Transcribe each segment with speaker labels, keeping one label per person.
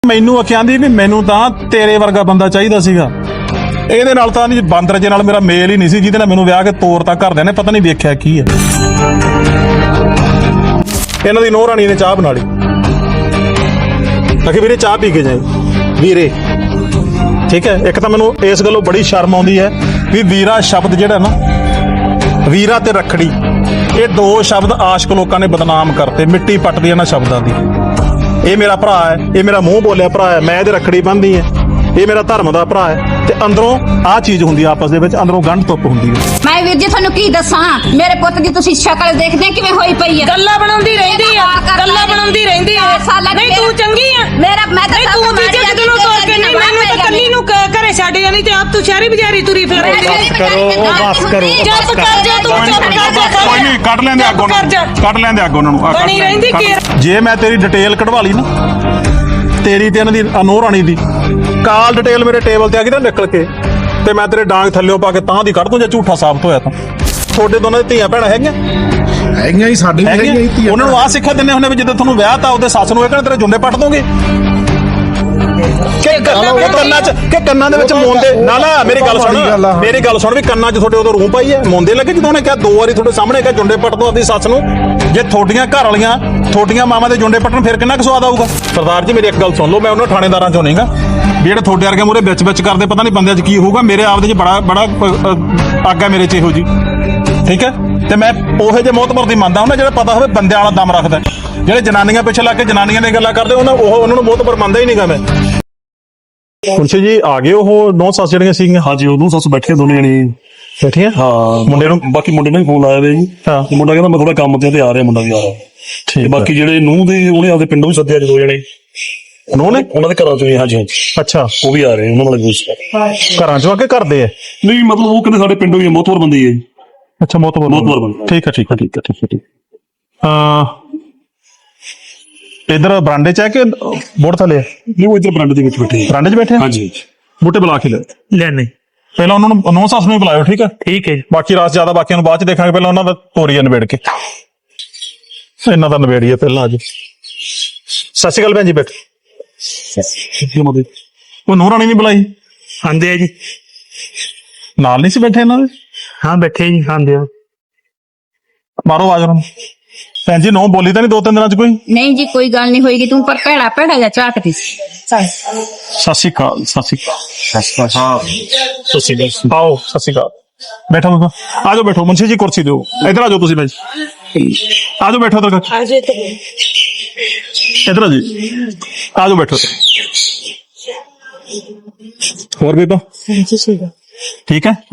Speaker 1: ਮੈਨੂੰ ਆਖਿਆਂਦੀ ਵੀ ਮੈਨੂੰ ਤਾਂ ਤੇਰੇ ਵਰਗਾ ਬੰਦਾ ਚਾਹੀਦਾ ਸੀਗਾ। ਇਹਦੇ ਨਾਲ ਤਾਂ ਨਹੀਂ, ਬਾਂਦਰ ਜੇ ਨਾਲ ਮੇਰਾ ਮੇਲ ਹੀ ਨਹੀਂ ਸੀ ਜਿਹਦੇ ਨਾਲ ਮੈਨੂੰ ਵਿਆਹ ਕੇ ਤੋਰਤਾ ਘਰਦਿਆਂ ਨੇ। ਪਤਾ ਨਹੀਂ ਵੇਖਿਆ ਕੀ ਹੈ। ਇਹਨਾਂ ਦੀ ਨੂੰਹ ਰਾਣੀ ਨੇ ਚਾਹ ਬਣਾ ਲਈ। ਆਖੇ ਵੀਰੇ ਚਾਹ ਪੀ ਕੇ ਜਾਏ ਵੀਰੇ। ਠੀਕ ਹੈ। ਇੱਕ ਤਾਂ ਮੈਨੂੰ ਇਸ ਗੱਲੋਂ ਬੜੀ ਸ਼ਰਮ ਆਉਂਦੀ ਹੈ ਵੀ ਵੀਰਾ ਸ਼ਬਦ ਜਿਹੜਾ ਨਾ, ਵੀਰਾ ਤੇ ਰੱਖੜੀ, ਇਹ ਦੋ ਸ਼ਬਦ ਆਸ਼ਕ ਲੋਕਾਂ ਨੇ ਬਦਨਾਮ ਕਰਤੇ। ਮਿੱਟੀ ਪੱਟਦੀ ਇਹਨਾਂ ਸ਼ਬਦਾਂ ਦੀ। ਇਹ ਮੇਰਾ ਭਰਾ ਹੈ, ਇਹ ਮੇਰਾ ਮੂੰਹ ਬੋਲਿਆ ਭਰਾ ਹੈ, ਮੈਂ ਇਹਦੇ ਰੱਖੜੀ ਬੰਨ੍ਹਦੀ ਹੈ, ਇਹ ਮੇਰਾ ਧਰਮ ਦਾ ਭਰਾ ਹੈ। ਤੇ ਅੰਦਰੋਂ ਆਹ ਚੀਜ਼ ਹੁੰਦੀ ਆ, ਆਪਸ ਦੇ ਵਿੱਚ ਅੰਦਰੋਂ ਗੰਢ ਧੁੱਪ ਹੁੰਦੀ ਹੈ।
Speaker 2: ਮੈਂ ਵੀਰ ਜੀ ਤੁਹਾਨੂੰ ਕੀ ਦੱਸਾਂ, ਮੇਰੇ ਪੁੱਤ ਦੀ ਤੁਸੀਂ ਸ਼ਕਲ ਦੇਖਦੇ ਕਿਵੇਂ ਹੋਈ ਪਈ ਹੈ।
Speaker 3: ਗੱਲਾਂ ਬਣਾਉਂਦੀ ਰਹਿੰਦੀ ਆ, ਗੱਲਾਂ ਬਣਾਉਂਦੀ ਰਹਿੰਦੀ ਆ। ਨਹੀਂ ਤੂੰ ਚੰਗੀ ਆ।
Speaker 2: ਮੈਂ ਤਾਂ
Speaker 3: ਤੂੰ ਤੀਜੇ ਦਿਨੋਂ ਤੋਰ ਕੇ ਨਹੀਂ, ਮੈਨੂੰ ਤਾਂ ਕੱਲੀ ਨੂੰ ਘਰੇ ਛੱਡ ਜਾਂਦੀ ਤੇ ਆਪ ਤੂੰ ਸ਼ਹਿਰੀ ਬਜ਼ਾਰੀ ਤੁਰੀ ਫਿਰ।
Speaker 1: ਬਸ ਕਰੋ, ਬਸ ਕਰੋ।
Speaker 3: ਚੁੱਪ ਕਰ ਜਾ ਤੂੰ, ਚੁੱਪ ਕਰ ਜਾ।
Speaker 1: ਕੋਈ ਨਹੀਂ, ਕੱਢ ਲੈਂਦੇ ਅੱਗੋਂ ਉਹਨਾਂ ਨੂੰ, ਕੱਢ ਲੈਂਦੇ ਅੱਗੋਂ ਉਹਨਾਂ ਨੂੰ।
Speaker 3: ਬਣੀ ਰਹਿੰਦੀ ਕੀ।
Speaker 1: ਜੇ ਮੈਂ ਤੇਰੀ ਡਿਟੇਲ ਕਢਵਾ ਲਈ ਨਾ, ਤੇਰੀ ਤੇ ਇਹਨਾਂ ਦੀ ਨੂੰਹ ਰਾਣੀ ਦੀ ਕਾਲ ਡਿਟੇਲ ਮੇਰੇ ਟੇਬਲ ਤੇ ਆ ਗਈ ਨਾ ਨਿਕਲ ਕੇ, ਤੇ ਮੈਂ ਤੇਰੇ ਡਾਂਗ ਥੱਲਿਓ ਪਾ ਕੇ ਤਾਂ ਦੀ ਕੱਢ ਦੂੰ ਜੇ ਝੂਠਾ ਸਾਬਤ ਹੋਇਆ ਤਾਂ। ਤੁਹਾਡੇ ਦੋਨਾਂ ਦੀ ਧੀਆਂ ਭੈਣਾਂ ਹੈਗੀਆਂ
Speaker 4: ਹੀ, ਸਾਡੇ ਵੀ ਹੈਗੀਆਂ ਹੀ ਧੀਆਂ।
Speaker 1: ਉਹਨਾਂ ਨੂੰ ਆਹ ਸਿੱਖਿਆ ਦਿੰਦੇ ਹੁੰਦੇ ਵੀ ਜਦੋਂ ਤੁਹਾਨੂੰ ਵਿਆਹ ਤਾਂ ਉਹਦੇ ਸੱਸ ਨੂੰ ਇਹ ਕਹਿੰਦੇ ਤੇਰੇ ਜੁੰਡੇ ਪੱਟ ਦੋਗੇ ਕਿ ਕੰਨਾਂ ਦੇ ਵਿੱਚ ਮੋਂਦੇ ਨਾ। ਮੇਰੀ ਗੱਲ ਸੁਣ ਵੀ ਕੰਨਾਂ 'ਚ ਤੁਹਾਡੇ ਉਦੋਂ ਰੂਹ ਪਾਈ ਹੈ, ਮੋਂਦੇ ਲੱਗੇ ਜਦੋਂ ਉਹਨੇ ਕਿਹਾ ਦੋ ਵਾਰੀ ਤੁਹਾਡੇ ਸਾਹਮਣੇ ਕਿਹਾ ਜੁੰਡੇ ਪੱਟ ਦੋ ਆਪਣੀ ਸੱਸ ਨੂੰ। ਜੇ ਤੁਹਾਡੀਆਂ ਘਰ ਵਾਲੀਆਂ ਤੁਹਾਡੀਆਂ ਮਾਵਾਂ ਦੇ ਜੁੰਡੇ ਪੱਟਣ ਫਿਰ ਕਿੰਨਾ ਕੁ ਸਵਾਦ ਆਊਗਾ। ਸਰਦਾਰ ਜੀ ਮੇਰੀ ਇੱਕ ਗੱਲ ਸੁਣ ਲਓ, ਮੈਂ ਉਹਨਾਂ ਥਾਣੇਦਾਰਾਂ ਚੋਂ ਨਹੀਂਗਾ ਵੀ ਜਿਹੜੇ ਤੁਹਾਡੇ ਵਰਗੇ ਮੂਹਰੇ ਵਿੱਚ ਕਰਦੇ। ਪਤਾ ਨਹੀਂ ਬੰਦਿਆਂ 'ਚ ਕੀ ਹੋਊਗਾ, ਮੇਰੇ ਆਪਦੇ 'ਚ ਬੜਾ ਅੱਗ ਹੈ ਮੇਰੇ 'ਚ ਇਹੋ ਜੀ। ਠੀਕ ਹੈ। ਤੇ ਮੈਂ ਉਹੋ ਜਿਹੇ ਮੋਹਤਬਰ ਦੀ ਮੰਨਦਾ ਹੁੰਦਾ ਜਿਹੜਾ ਪਤਾ ਹੋਵੇ ਬੰਦਿਆਂ ਵਾਲਾ ਦਮ ਰੱਖਦਾ। ਜਿਹੜੇ ਜਨਾਨੀਆਂ ਪਿੱਛੇ ਲੱਗ ਕੇ ਜਨਾਨੀਆਂ ਦੀਆਂ ਗੱਲਾਂ ਕਰਦੇ ਉਹਨਾਂ ਨੂੰ ਮੋਹਤਬਰ ਮੰਨਦਾ ਹੀ ਨਹੀਂਗਾ ਮੈਂ। ਪੁਲਿਸ ਜੀ ਆ ਗਏ ਉਹ ਨੌ ਸੱਸ ਜਿਹੜੀਆਂ ਸੀਗੀਆਂ?
Speaker 5: ਹਾਂਜੀ, ਉਹ ਸੱਸ ਬੈਠੇ ਦੋਨੇ ਜਣੇ
Speaker 1: ਬੈਠੀਆਂ।
Speaker 5: ਹਾਂ, ਮੁੰਡੇ ਨੂੰ ਬਾਕੀ ਮੁੰਡੇ ਨੇ ਫੋਨ ਲਾਇਆ ਵੇ ਜੀ।
Speaker 1: ਹਾਂ,
Speaker 5: ਮੁੰਡਾ ਕਹਿੰਦਾ ਮੈਂ ਥੋੜਾ ਕੰਮ ਤੇ ਆ ਰਿਹਾ, ਮੁੰਡਾ ਵੀ ਆ ਰਿਹਾ।
Speaker 1: ਠੀਕ।
Speaker 5: ਬਾਕੀ ਜਿਹੜੇ ਨੂੰਹ ਦੇ ਉਹਨੇ ਆਪਦੇ ਪਿੰਡੋਂ ਵੀ ਸੱਦਿਆ ਦੋ ਜਣੇ,
Speaker 1: ਨੂੰਹ ਨੇ
Speaker 5: ਉਹਨਾਂ ਦੇ ਘਰਾਂ ਚੋਂ। ਹਾਂਜੀ ਹਾਂਜੀ,
Speaker 1: ਅੱਛਾ,
Speaker 5: ਉਹ ਵੀ ਆ ਰਹੇ, ਉਹਨਾਂ ਨਾਲ ਕੁਝ
Speaker 1: ਘਰਾਂ ਚੋਂ ਆ ਕੇ ਕਰਦੇ ਆ?
Speaker 5: ਨਹੀਂ, ਮਤਲਬ ਉਹ ਕਹਿੰਦੇ ਸਾਡੇ ਪਿੰਡੋਂ ਹੀ ਮੋਹਤਵਰ ਬੰਦੇ ਹੀ ਹੈ ਜੀ।
Speaker 1: ਅੱਛਾ, ਮੋਹਤਬਰ
Speaker 5: ਬੰਦੇ।
Speaker 1: ਠੀਕ ਹੈ, ਠੀਕ ਹੈ, ਠੀਕ ਹੈ, ਠੀਕ ਹੈ, ਠੀਕ। ਇਧਰ ਬਰਾਂਡੇ 'ਚ ਹੈ ਕਿ ਬੋਰਡ ਥੱਲੇ?
Speaker 5: ਨਹੀਂ, ਉਹ ਇੱਧਰ ਬਰਾਂਡੇ ਦੇ ਵਿੱਚ ਬੈਠੇ।
Speaker 1: ਬਰਾਂਡੇ 'ਚ ਬੈਠੇ?
Speaker 5: ਹਾਂਜੀ,
Speaker 1: ਬੂਟੇ ਬੁਲਾ ਕੇ
Speaker 6: ਲੈਣੇ
Speaker 1: ਪਹਿਲਾਂ ਉਹਨਾਂ ਨੂੰ ਨੌ ਸੱਸ ਨੂੰ ਬੁਲਾਇਓ। ਠੀਕ ਹੈ,
Speaker 6: ਠੀਕ ਹੈ।
Speaker 1: ਬਾਕੀ ਰਾਤ ਜ਼ਿਆਦਾ ਬਾਕੀਆਂ ਨੂੰ ਬਾਅਦ 'ਚ ਦੇਖਾਂਗੇ। ਪਹਿਲਾਂ ਉਹਨਾਂ ਦਾ ਤੋਰੀਆ ਨਿਬੇੜ ਕੇ, ਇਹਨਾਂ ਦਾ ਨਿਬੇੜੀਏ ਪਹਿਲਾਂ। ਅੱਜ ਸਤਿ ਸ਼੍ਰੀ ਅਕਾਲ ਭੈਣ ਜੀ। ਬੈਠ। ਉਹ ਨੂੰਹ ਰਾਣੀ ਨਹੀਂ ਬੁਲਾਈ?
Speaker 6: ਆਂਦੇ ਆ ਜੀ।
Speaker 1: ਨਾਲ ਨਹੀਂ ਸੀ ਬੈਠੇ ਇਹਨਾਂ ਦੇ?
Speaker 6: ਹਾਂ ਬੈਠੇ ਜੀ, ਆਂਦੇ ਆ।
Speaker 1: ਮਾਰੋ ਆਵਾਜ਼ ਉਹਨਾਂ ਨੂੰ। ਭੈਣ ਜੀ ਨੌ ਬੋਲੀ ਤਾਂ ਨਹੀਂ 2-3 ਦਿਨਾਂ 'ਚ ਕੋਈ?
Speaker 2: ਨਹੀਂ ਜੀ, ਕੋਈ ਗੱਲ ਨਹੀਂ ਹੋਏਗੀ। ਤੂੰ ਪਰ ਭੈੜਾ ਜਿਹਾ ਝਾਕਦੀ ਸੀ।
Speaker 1: ਸਤਿ ਸ਼੍ਰੀ ਅਕਾਲ। ਸਤਿ ਸ਼੍ਰੀ ਅਕਾਲ। ਆਓ, ਸਤਿ ਸ਼੍ਰੀ ਅਕਾਲ। ਬੈਠੋ ਬਾਬਾ, ਆ ਜਾਓ ਬੈਠੋ। ਮੁੰਸ਼ੀ ਜੀ ਕੁਰਸੀ ਦਿਓ, ਇੱਧਰ ਆ ਜਾਓ ਤੁਸੀਂ। ਭਾਈ ਆ ਜਾਓ, ਬੈਠੋ ਇੱਧਰ। ਇੱਧਰ ਆ ਜੀ, ਆ ਜਾਓ ਬੈਠੋ। ਹੋਰ ਬੀਬਾ ਠੀਕ ਹੈ?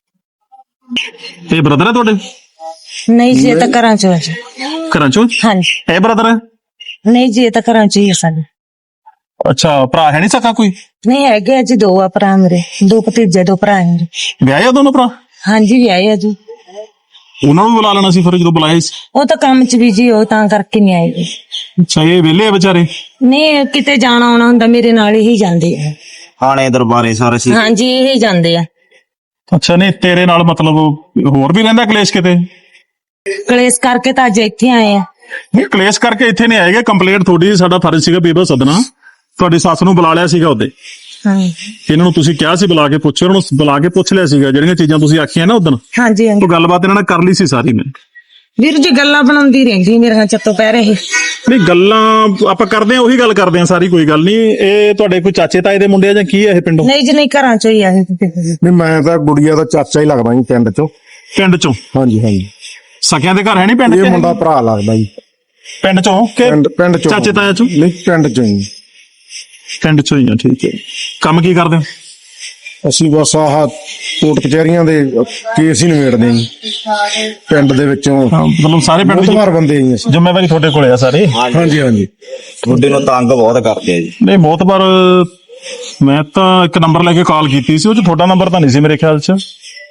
Speaker 1: ਇਹ ਬ੍ਰਦਰ ਹੈ ਤੁਹਾਡੇ?
Speaker 3: ਨਹੀਂ ਜੀ, ਇਹ ਤਾਂ ਘਰਾਂ ਚੋਂ ਹੈ।
Speaker 1: ਘਰਾਂ ਚੋਂ?
Speaker 3: ਹਾਂਜੀ।
Speaker 1: ਇਹ ਬ੍ਰਦਰ ਹੈ?
Speaker 3: ਨਹੀਂ ਜੀ, ਇਹ ਤਾਂ ਘਰਾਂ ਚੋਂ ਹੀ ਹੈ ਸਾਡੇ।
Speaker 1: ਅੱਛਾ, ਭਰਾ ਹੈ ਨਹੀਂ ਸਕਾ ਕੋਈ?
Speaker 3: ਨਹੀਂ ਹੈਗੇ ਜੀ, ਦੋ ਆ ਭਰਾ ਮੇਰੇ, ਦੋ ਭਤੀਜੇ, ਦੋ ਭਰਾ ਮੇਰੇ।
Speaker 1: ਵਿਆਹੇ ਆ ਦੋਨੋਂ ਭਰਾ?
Speaker 3: ਹਾਂਜੀ, ਵਿਆਹੇ ਆ ਜੀ।
Speaker 1: ਉਹਨਾਂ ਨੂੰ ਬੁਲਾ ਲੈਣਾ ਸੀ ਫਿਰ ਜਦੋਂ ਬੁਲਾਏ ਸੀ।
Speaker 3: ਉਹ ਤਾਂ ਕੰਮ ਚ ਬਿਜੀ ਹੋ, ਤਾਂ ਕਰਕੇ ਨਹੀਂ ਆਏ ਜੀ।
Speaker 1: ਅੱਛਾ, ਇਹ ਵਿਹਲੇ ਆ ਵਿਚਾਰੇ?
Speaker 3: ਨਹੀਂ, ਕਿਤੇ ਜਾਣਾ ਆਉਣਾ ਹੁੰਦਾ ਮੇਰੇ ਨਾਲ ਹੀ ਜਾਂਦੇ ਆ।
Speaker 4: ਹਾਣੇ ਦਰਬਾਰੇ ਸਾਰੇ ਸੀ।
Speaker 3: ਹਾਂਜੀ, ਇਹ ਜਾਂਦੇ ਆ।
Speaker 1: ਅੱਛਾ, ਨਹੀਂ ਤੇਰੇ ਨਾਲ ਮਤਲਬ ਹੋਰ ਵੀ ਰਹਿੰਦਾ ਕਲੇਸ਼ ਕਿਤੇ?
Speaker 3: ਕਲੇਸ਼ ਕਰਕੇ ਤਾਂ ਅੱਜ ਇੱਥੇ ਆਏ ਆ।
Speaker 1: ਨਹੀਂ, ਕਲੇਸ਼ ਕਰਕੇ ਇੱਥੇ ਨਹੀਂ ਆਏਗੇ। ਕੰਪਲੇਂਟ ਤੁਹਾਡੀ, ਸਾਡਾ ਫਰਜ਼ ਸੀਗਾ ਬੀਬਾ ਸਦਨਾ। ਤੁਹਾਡੀ ਸੱਸ ਨੂੰ ਬੁਲਾ ਲਿਆ ਸੀਗਾ ਉਹਦੇ। ਇਹਨਾਂ ਨੂੰ ਤੁਸੀਂ ਕਿਹਾ ਸੀ ਬੁਲਾ ਕੇ ਪੁੱਛੋ, ਉਹਨਾਂ ਨੂੰ ਬੁਲਾ ਕੇ ਪੁੱਛ ਲਿਆ ਸੀਗਾ ਜਿਹੜੀਆਂ ਚੀਜ਼ਾਂ ਤੁਸੀਂ ਆਖੀਆਂ ਨਾ ਉਦੋਂ।
Speaker 3: ਹਾਂਜੀ ਹਾਂਜੀ।
Speaker 1: ਉਹ ਗੱਲਬਾਤ ਇਹਨਾਂ ਨਾਲ ਕਰ ਲਈ ਸੀ ਸਾਰੀ ਮੈਂ।
Speaker 3: ਵੀਰ ਜੀ ਗੱਲਾਂ ਬਣਾਉਂਦੀ ਰਹਿੰਦੀ ਮੇਰੇ ਚੱਤੋਂ ਪੈ ਰਹੇ।
Speaker 1: ਨਹੀਂ, ਗੱਲਾਂ ਆਪਾਂ ਕਰਦੇ ਆ, ਉਹੀ ਗੱਲ ਕਰਦੇ ਆ ਸਾਰੀ, ਕੋਈ ਗੱਲ ਨਹੀਂ। ਇਹ ਤੁਹਾਡੇ ਕੋਈ ਚਾਚੇ ਤਾਏ ਦੇ ਮੁੰਡੇ ਆ ਜਾਂ ਕੀ ਆ ਇਹ ਪਿੰਡੋਂ?
Speaker 3: ਨਹੀਂ ਜੀ, ਨਹੀਂ, ਘਰਾਂ ਚੋਂ ਹੀ ਆ।
Speaker 4: ਨਹੀਂ, ਮੈਂ ਤਾਂ ਗੁੜੀਆ ਦਾ ਚਾਚਾ ਹੀ ਲੱਗਦਾ ਜੀ ਪਿੰਡ ਚੋਂ।
Speaker 1: ਪਿੰਡ ਚੋਂ?
Speaker 4: ਹਾਂਜੀ ਹਾਂਜੀ।
Speaker 1: ਸਕਿਆਂ ਦੇ ਘਰ ਹੈ ਨਹੀਂ ਪਿੰਡ?
Speaker 4: ਇਹ ਮੁੰਡਾ ਭਰਾ ਲੱਗਦਾ ਜੀ।
Speaker 1: ਪਿੰਡ ਚੋਂ ਕਿ
Speaker 4: ਪਿੰਡ ਚੋਂ?
Speaker 1: ਚਾਚੇ ਤਾਇਆ ਚੋਂ?
Speaker 4: ਨਹੀਂ, ਪਿੰਡ ਚੋਂ ਹੀ।
Speaker 1: ਪਿੰਡ ਚੋਂ ਹੀ ਆ, ਠੀਕ ਹੈ। ਕੰਮ ਕੀ ਕਰਦੇ ਹੋ?
Speaker 4: ਅਸੀਂ ਬਸ ਆਹ ਕੋਰਟ ਕਚਹਿਰੀਆਂ ਦੇ ਕੇਸ ਹੀ ਨਿਬੇੜਦੇ ਜੀ ਪਿੰਡ ਦੇ ਵਿੱਚੋਂ।
Speaker 1: ਮਤਲਬ ਸਾਰੇ ਪਿੰਡ ਦੀ
Speaker 4: ਬੰਦੇ ਜੀ ਅਸੀਂ।
Speaker 1: ਜ਼ਿੰਮੇਵਾਰੀ ਤੁਹਾਡੇ ਕੋਲੇ ਆ ਸਾਰੇ?
Speaker 4: ਹਾਂਜੀ ਹਾਂਜੀ।
Speaker 7: ਤੁਹਾਡੇ ਨੂੰ ਤੰਗ ਬਹੁਤ ਕਰਦੇ ਆ ਜੀ।
Speaker 1: ਨਹੀਂ, ਮੋਤਬਰ ਮੈਂ ਤਾਂ ਇੱਕ ਨੰਬਰ ਲੈ ਕੇ ਕਾਲ ਕੀਤੀ ਸੀ, ਉਹ ਚ ਤੁਹਾਡਾ ਨੰਬਰ ਤਾਂ ਨਹੀਂ ਸੀ ਮੇਰੇ ਖਿਆਲ ਚ।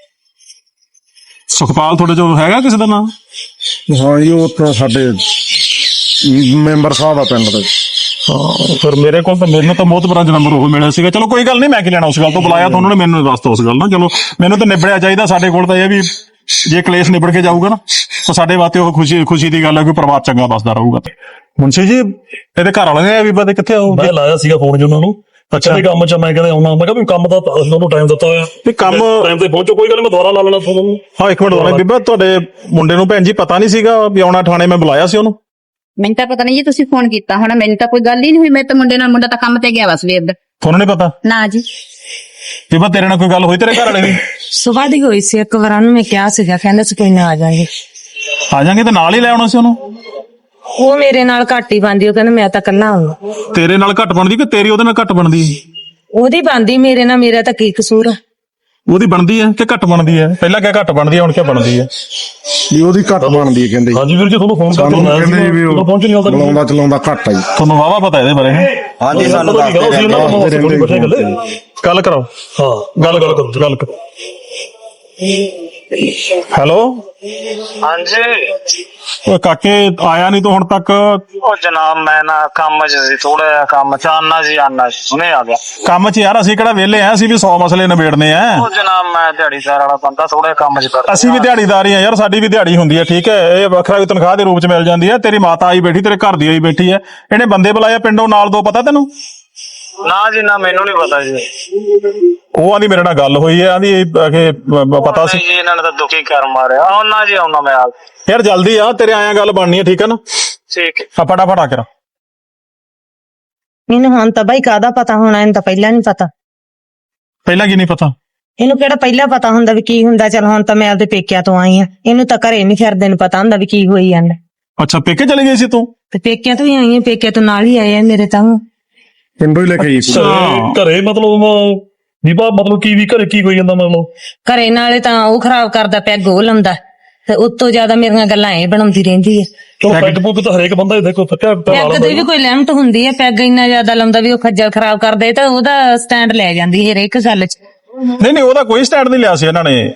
Speaker 1: ਸੁਖਪਾਲ ਤੁਹਾਡੇ ਜੋ ਹੈਗਾ ਕਿਸੇ ਦਾ ਨਾਮ?
Speaker 4: ਹਾਂ ਜੀ, ਉਹ ਤਾਂ ਸਾਡੇ ਮੈਂਬਰ ਸਾਹਿਬ ਆ ਪਿੰਡ ਦੇ।
Speaker 1: ਫਿਰ ਮੇਰੇ ਕੋਲ ਤਾਂ ਮੈਨੂੰ ਤਾਂ ਮੋਤਬਰਾਂ ਦਾ ਨੰਬਰ ਉਹ ਮਿਲਿਆ ਸੀਗਾ। ਚਲੋ ਕੋਈ ਗੱਲ ਨਹੀਂ, ਮੈਂ ਕੀ ਲੈਣਾ ਉਸ ਗੱਲ ਤੋਂ। ਬੁਲਾਇਆ ਤਾਂ ਉਹਨਾਂ ਨੇ ਮੈਨੂੰ ਵਾਸਤੇ ਉਸ ਗੱਲ ਨਾਲ। ਚਲੋ ਮੈਨੂੰ ਤਾਂ ਨਿਬੜਿਆ ਚਾਹੀਦਾ। ਸਾਡੇ ਕੋਲ ਤਾਂ ਇਹ ਵੀ ਜੇ ਕਲੇਸ਼ ਨਿਬੜ ਕੇ ਜਾਊਗਾ ਨਾ ਤਾਂ ਸਾਡੇ ਵਾਸਤੇ ਉਹ ਖੁਸ਼ੀ ਦੀ ਗੱਲ ਹੈ ਕਿ ਪਰਿਵਾਰ ਚੰਗਾ ਬਸਦਾ ਰਹੂਗਾ। ਮੁੰਸ਼ੀ ਜੀ ਇਹਦੇ ਘਰ ਵਾਲੇ ਨੇ ਬੀਬਾ ਦੇ ਕਿੱਥੇ ਆਉ
Speaker 5: ਮੈਂ ਲਾਇਆ ਸੀਗਾ ਫੋਨ ਜੀ ਉਹਨਾਂ ਨੂੰ। ਅੱਛਾ ਦੇ ਕੰਮ ਚ ਮੈਂ ਕਹਿੰਦਾ ਆਉਣਾ, ਮੈਂ ਕਿਹਾ ਵੀ ਕੰਮ ਦਾ ਅਸੀਂ ਤੁਹਾਨੂੰ ਟਾਈਮ ਦਿੱਤਾ ਹੋਇਆ
Speaker 1: ਵੀ ਕੰਮ
Speaker 5: ਟਾਈਮ ਤੇ ਪਹੁੰਚੋ, ਕੋਈ ਗੱਲ ਨੀ, ਮੈਂ ਦੁਬਾਰਾ ਲਾ ਲੈਣਾ ਤੁਹਾਨੂੰ।
Speaker 1: ਹਾਂ ਇੱਕ ਮਿੰਟ ਦੁਬਾਰਾ ਬੀਬਾ, ਤੁਹਾਡੇ ਮੁੰਡੇ ਨੂੰ ਭੈਣ ਜੀ ਪਤਾ ਨਹੀਂ ਸੀਗਾ ਵੀ ਆਉਣਾ ਥਾਣੇ, ਮੈਂ ਬੁਲਾਇਆ ਸੀ ਉਹਨੂੰ।
Speaker 2: ਮੈਨੂੰ ਤਾਂ ਪਤਾ ਨਹੀਂ ਜੀ ਤੁਸੀਂ ਫੋਨ ਕੀਤਾ ਹੋਣਾ, ਮੈਨੂੰ ਤਾਂ ਕੋਈ ਗੱਲ ਹੀ ਨਹੀਂ ਹੋਈ। ਮੈਂ ਤਾਂ ਮੁੰਡਾ ਤਾਂ ਕੰਮ ਤੇ ਗਿਆ ਵਾ ਸਵੇਰ ਦਾ।
Speaker 1: ਤੁਹਾਨੂੰ ਨਹੀਂ ਪਤਾ
Speaker 2: ਨਾ ਜੀ।
Speaker 1: ਬੀਬਾ ਤੇਰੇ ਨਾਲ ਕੋਈ ਗੱਲ ਹੋਈ ਤੇਰੇ ਘਰ ਵਾਲੇ ਦੀ?
Speaker 3: ਸੁਬਾਹ ਦੀ ਹੋਈ ਸੀ, ਇੱਕ ਵਾਰ ਉਹਨੂੰ ਮੈਂ ਕਿਹਾ ਸੀਗਾ, ਕਹਿੰਦਾ ਸੀ ਕੋਈ ਨਾ ਆ ਜਾਾਂਗੇ।
Speaker 1: ਆ ਜਾਾਂਗੇ ਤੇ ਨਾਲ ਹੀ ਲੈ ਆਉਣਾ ਸੀ ਉਹਨੂੰ।
Speaker 3: ਉਹ ਮੇਰੇ ਨਾਲ ਘੱਟ ਹੀ ਬਣਦੀ, ਉਹ ਕਹਿੰਦਾ ਮੈਂ ਤਾਂ ਇਕੱਲਾ ਆਉਂਗਾ।
Speaker 1: ਤੇਰੇ ਨਾਲ ਘੱਟ ਬਣਦੀ ਕਿ ਤੇਰੀ ਉਹਦੇ ਨਾਲ ਘੱਟ ਬਣਦੀ?
Speaker 3: ਉਹਦੀ ਬਣਦੀ, ਮੇਰੇ ਨਾਲ ਮੇਰਾ ਤਾਂ ਕੀ ਕਸੂਰ ਆ?
Speaker 1: ਉਹਦੀ ਬਣਦੀ ਹੈ ਕਿ ਘੱਟ ਬਣਦੀ ਹੈ? ਪਹਿਲਾਂ ਕਿਆ ਘੱਟ ਬਣਦੀ ਹੈ, ਹੁਣ ਕਿਆ ਬਣਦੀ ਹੈ?
Speaker 4: ਵੀ ਉਹਦੀ ਘੱਟ ਬਣਦੀ ਹੈ ਕਹਿੰਦੇ।
Speaker 5: ਹਾਂਜੀ ਵੀਰ ਜੀ, ਤੁਹਾਨੂੰ ਫੋਨ
Speaker 4: ਸਾਨੂੰ
Speaker 5: ਕਰਕੇ
Speaker 4: ਕਹਿੰਦੇ ਜੀ ਵੀ ਉਹ
Speaker 5: ਪਹੁੰਚ ਨਹੀਂ ਆਉਂਦਾ।
Speaker 4: ਬੁਲਾਉਂਦਾ ਚਲਾਉਂਦਾ ਘੱਟ ਆ ਜੀ।
Speaker 1: ਤੁਹਾਨੂੰ ਵਾਵਾ ਪਤਾ ਇਹਦੇ ਬਾਰੇ?
Speaker 7: ਹਾਂਜੀ ਸਾਨੂੰ ਦੱਸਦੇ
Speaker 1: ਗੱਲ ਕਰਾਓ।
Speaker 5: ਹਾਂ ਗੱਲ ਕਰੋ ਗੱਲ ਕਰੋ।
Speaker 1: ਹੈਲੋ
Speaker 8: ਹਾਂਜੀ।
Speaker 1: ਓਏ ਕਾਕੇ ਆਇਆ ਨਹੀਂ ਤੂੰ ਹੁਣ ਤੱਕ?
Speaker 8: ਉਹ ਜਨਾਬ ਮੈਂ ਨਾ ਕੰਮ 'ਚ ਸੀ, ਥੋੜਾ ਜਿਹਾ ਕੰਮ 'ਚ ਆਨਾ ਸੀ ਹੁਣੇ ਆ ਗਿਆ
Speaker 1: ਕੰਮ 'ਚ ਯਾਰ, ਅਸੀਂ ਕਿਹੜਾ ਵਿਹਲੇ ਆ? ਅਸੀਂ ਵੀ 100 ਮਸਲੇ ਨਿਬੇੜਨੇ ਆ।
Speaker 8: ਉਹ ਜਨਾਬ ਮੈਂ ਦਿਹਾੜੀਦਾਰ ਵਾਲਾ ਬੰਦਾ, ਥੋੜਾ ਕੰਮ 'ਚ ਕਰਦਾ।
Speaker 1: ਅਸੀਂ ਵੀ ਦਿਹਾੜੀਦਾਰ ਹੀ ਆ ਯਾਰ, ਸਾਡੀ ਵੀ ਦਿਹਾੜੀ ਹੁੰਦੀ ਹੈ, ਠੀਕ ਹੈ? ਇਹ ਵੱਖਰਾ ਵੀ ਤਨਖਾਹ ਦੇ ਰੂਪ 'ਚ ਮਿਲ ਜਾਂਦੀ ਹੈ। ਤੇਰੀ ਮਾਤਾ ਆਈ ਬੈਠੀ, ਤੇਰੇ ਘਰ ਦੀ ਆਈ ਬੈਠੀ ਹੈ, ਇਹਨੇ ਬੰਦੇ ਬੁਲਾਇਆ ਪਿੰਡੋਂ ਨਾਲ ਦੋ, ਪਤਾ ਤੈਨੂੰ?
Speaker 8: ਨਾ ਜੀ ਨਾ, ਮੈਨੂੰ ਨਹੀਂ ਪਤਾ ਜੀ।
Speaker 1: ਉਹ ਆਂਦੀ ਮੇਰੇ ਨਾਲ ਗੱਲ ਹੋਈ ਹੈ, ਆਂਦੀ ਪਤਾ ਸੀ
Speaker 8: ਜੀ ਇਹਨਾਂ ਨੇ ਤਾਂ ਦੁਖੀ ਕਰ ਮਾਰਿਆ। ਆਉਣਾ ਜੀ ਆਉਣਾ ਮੈਂ ਆ।
Speaker 1: ਯਾਰ ਜਲਦੀ ਆ, ਤੇਰੇ ਆਇਆ ਗੱਲ ਬਣਨੀ ਹੈ, ਠੀਕ ਹੈ ਨਾ?
Speaker 8: ਠੀਕ
Speaker 1: ਆ ਫਟਾਫਟ ਆ ਕੇ।
Speaker 3: ਮੈਨੂੰ ਹੁਣ ਤਾਂ ਬਾਈ ਕਾਹਦਾ ਪਤਾ ਹੋਣਾ, ਇਹਨੂੰ ਤਾਂ ਪਹਿਲਾਂ ਨਹੀਂ ਪਤਾ।
Speaker 1: ਪਹਿਲਾਂ ਕੀ ਨਹੀਂ ਪਤਾ?
Speaker 3: ਇਹਨੂੰ ਕਿਹੜਾ ਪਹਿਲਾਂ ਪਤਾ ਹੁੰਦਾ ਵੀ ਕੀ ਹੁੰਦਾ? ਚਲ ਹੁਣ ਤਾਂ ਮੈਂ ਆਪਦੇ ਪੇਕਿਆਂ ਤੋਂ ਆਈ ਆ, ਇਹਨੂੰ ਤਾਂ ਘਰੇ ਨਹੀਂ ਫਿਰਦੇ ਨੂੰ ਪਤਾ ਹੁੰਦਾ ਵੀ ਕੀ ਹੋਈ ਜਾਂਦਾ।
Speaker 1: ਅੱਛਾ ਪੇਕੇ ਚਲੀ ਗਈ ਸੀ ਤੂੰ?
Speaker 3: ਤੇ ਪੇਕਿਆਂ ਤੋਂ ਹੀ ਆਈ ਆ, ਪੇਕਿਆਂ ਤੋਂ ਨਾਲ ਹੀ ਆਏ ਆ ਮੇਰੇ ਤਾਂ।
Speaker 4: ਪਿੰਡੋਂ ਹੀ ਲੈ ਕੇ ਆਈ ਸੀ।
Speaker 5: ਘਰੇ ਮਤਲਬ ਦੀਪਾ, ਮਤਲਬ ਕੀ ਵੀ ਘਰੇ ਕੀ ਹੋਈ ਜਾਂਦਾ? ਮਤਲਬ
Speaker 3: ਘਰੇ ਨਾਲੇ ਤਾਂ ਉਹ ਖਰਾਬ ਕਰਦਾ ਪਿਆ, ਗੋਹ ਲਾਉਂਦਾ, ਤੇ ਉਤੋਂ ਜ਼ਿਆਦਾ ਮੇਰੀਆਂ ਗੱਲਾਂ ਇਹ ਬਣਾਉਂਦੀ ਰਹਿੰਦੀ ਹੈ।
Speaker 5: ਚਲੋ ਪੈਗ ਪੁੱਗ ਤਾਂ ਹਰੇਕ ਬੰਦਾ ਦੇਖੋ ਫੱਟਿਆ
Speaker 3: ਪੈਗ ਦੀ ਵੀ ਕੋਈ ਲਿਮਟ ਹੁੰਦੀ ਹੈ, ਪੈਗ ਇੰਨਾ ਜ਼ਿਆਦਾ ਲਾਉਂਦਾ ਵੀ ਉਹ ਖੱਜਲ ਖਰਾਬ ਕਰਦੇ, ਤਾਂ ਉਹਦਾ ਸਟੈਂਡ ਲੈ ਜਾਂਦੀ ਹਰੇਕ ਗੱਲ 'ਚ।
Speaker 1: ਨਹੀਂ ਉਹਦਾ ਕੋਈ ਸਟੈਂਡ ਨਹੀਂ ਲਿਆ ਸੀ ਇਹਨਾਂ ਨੇ।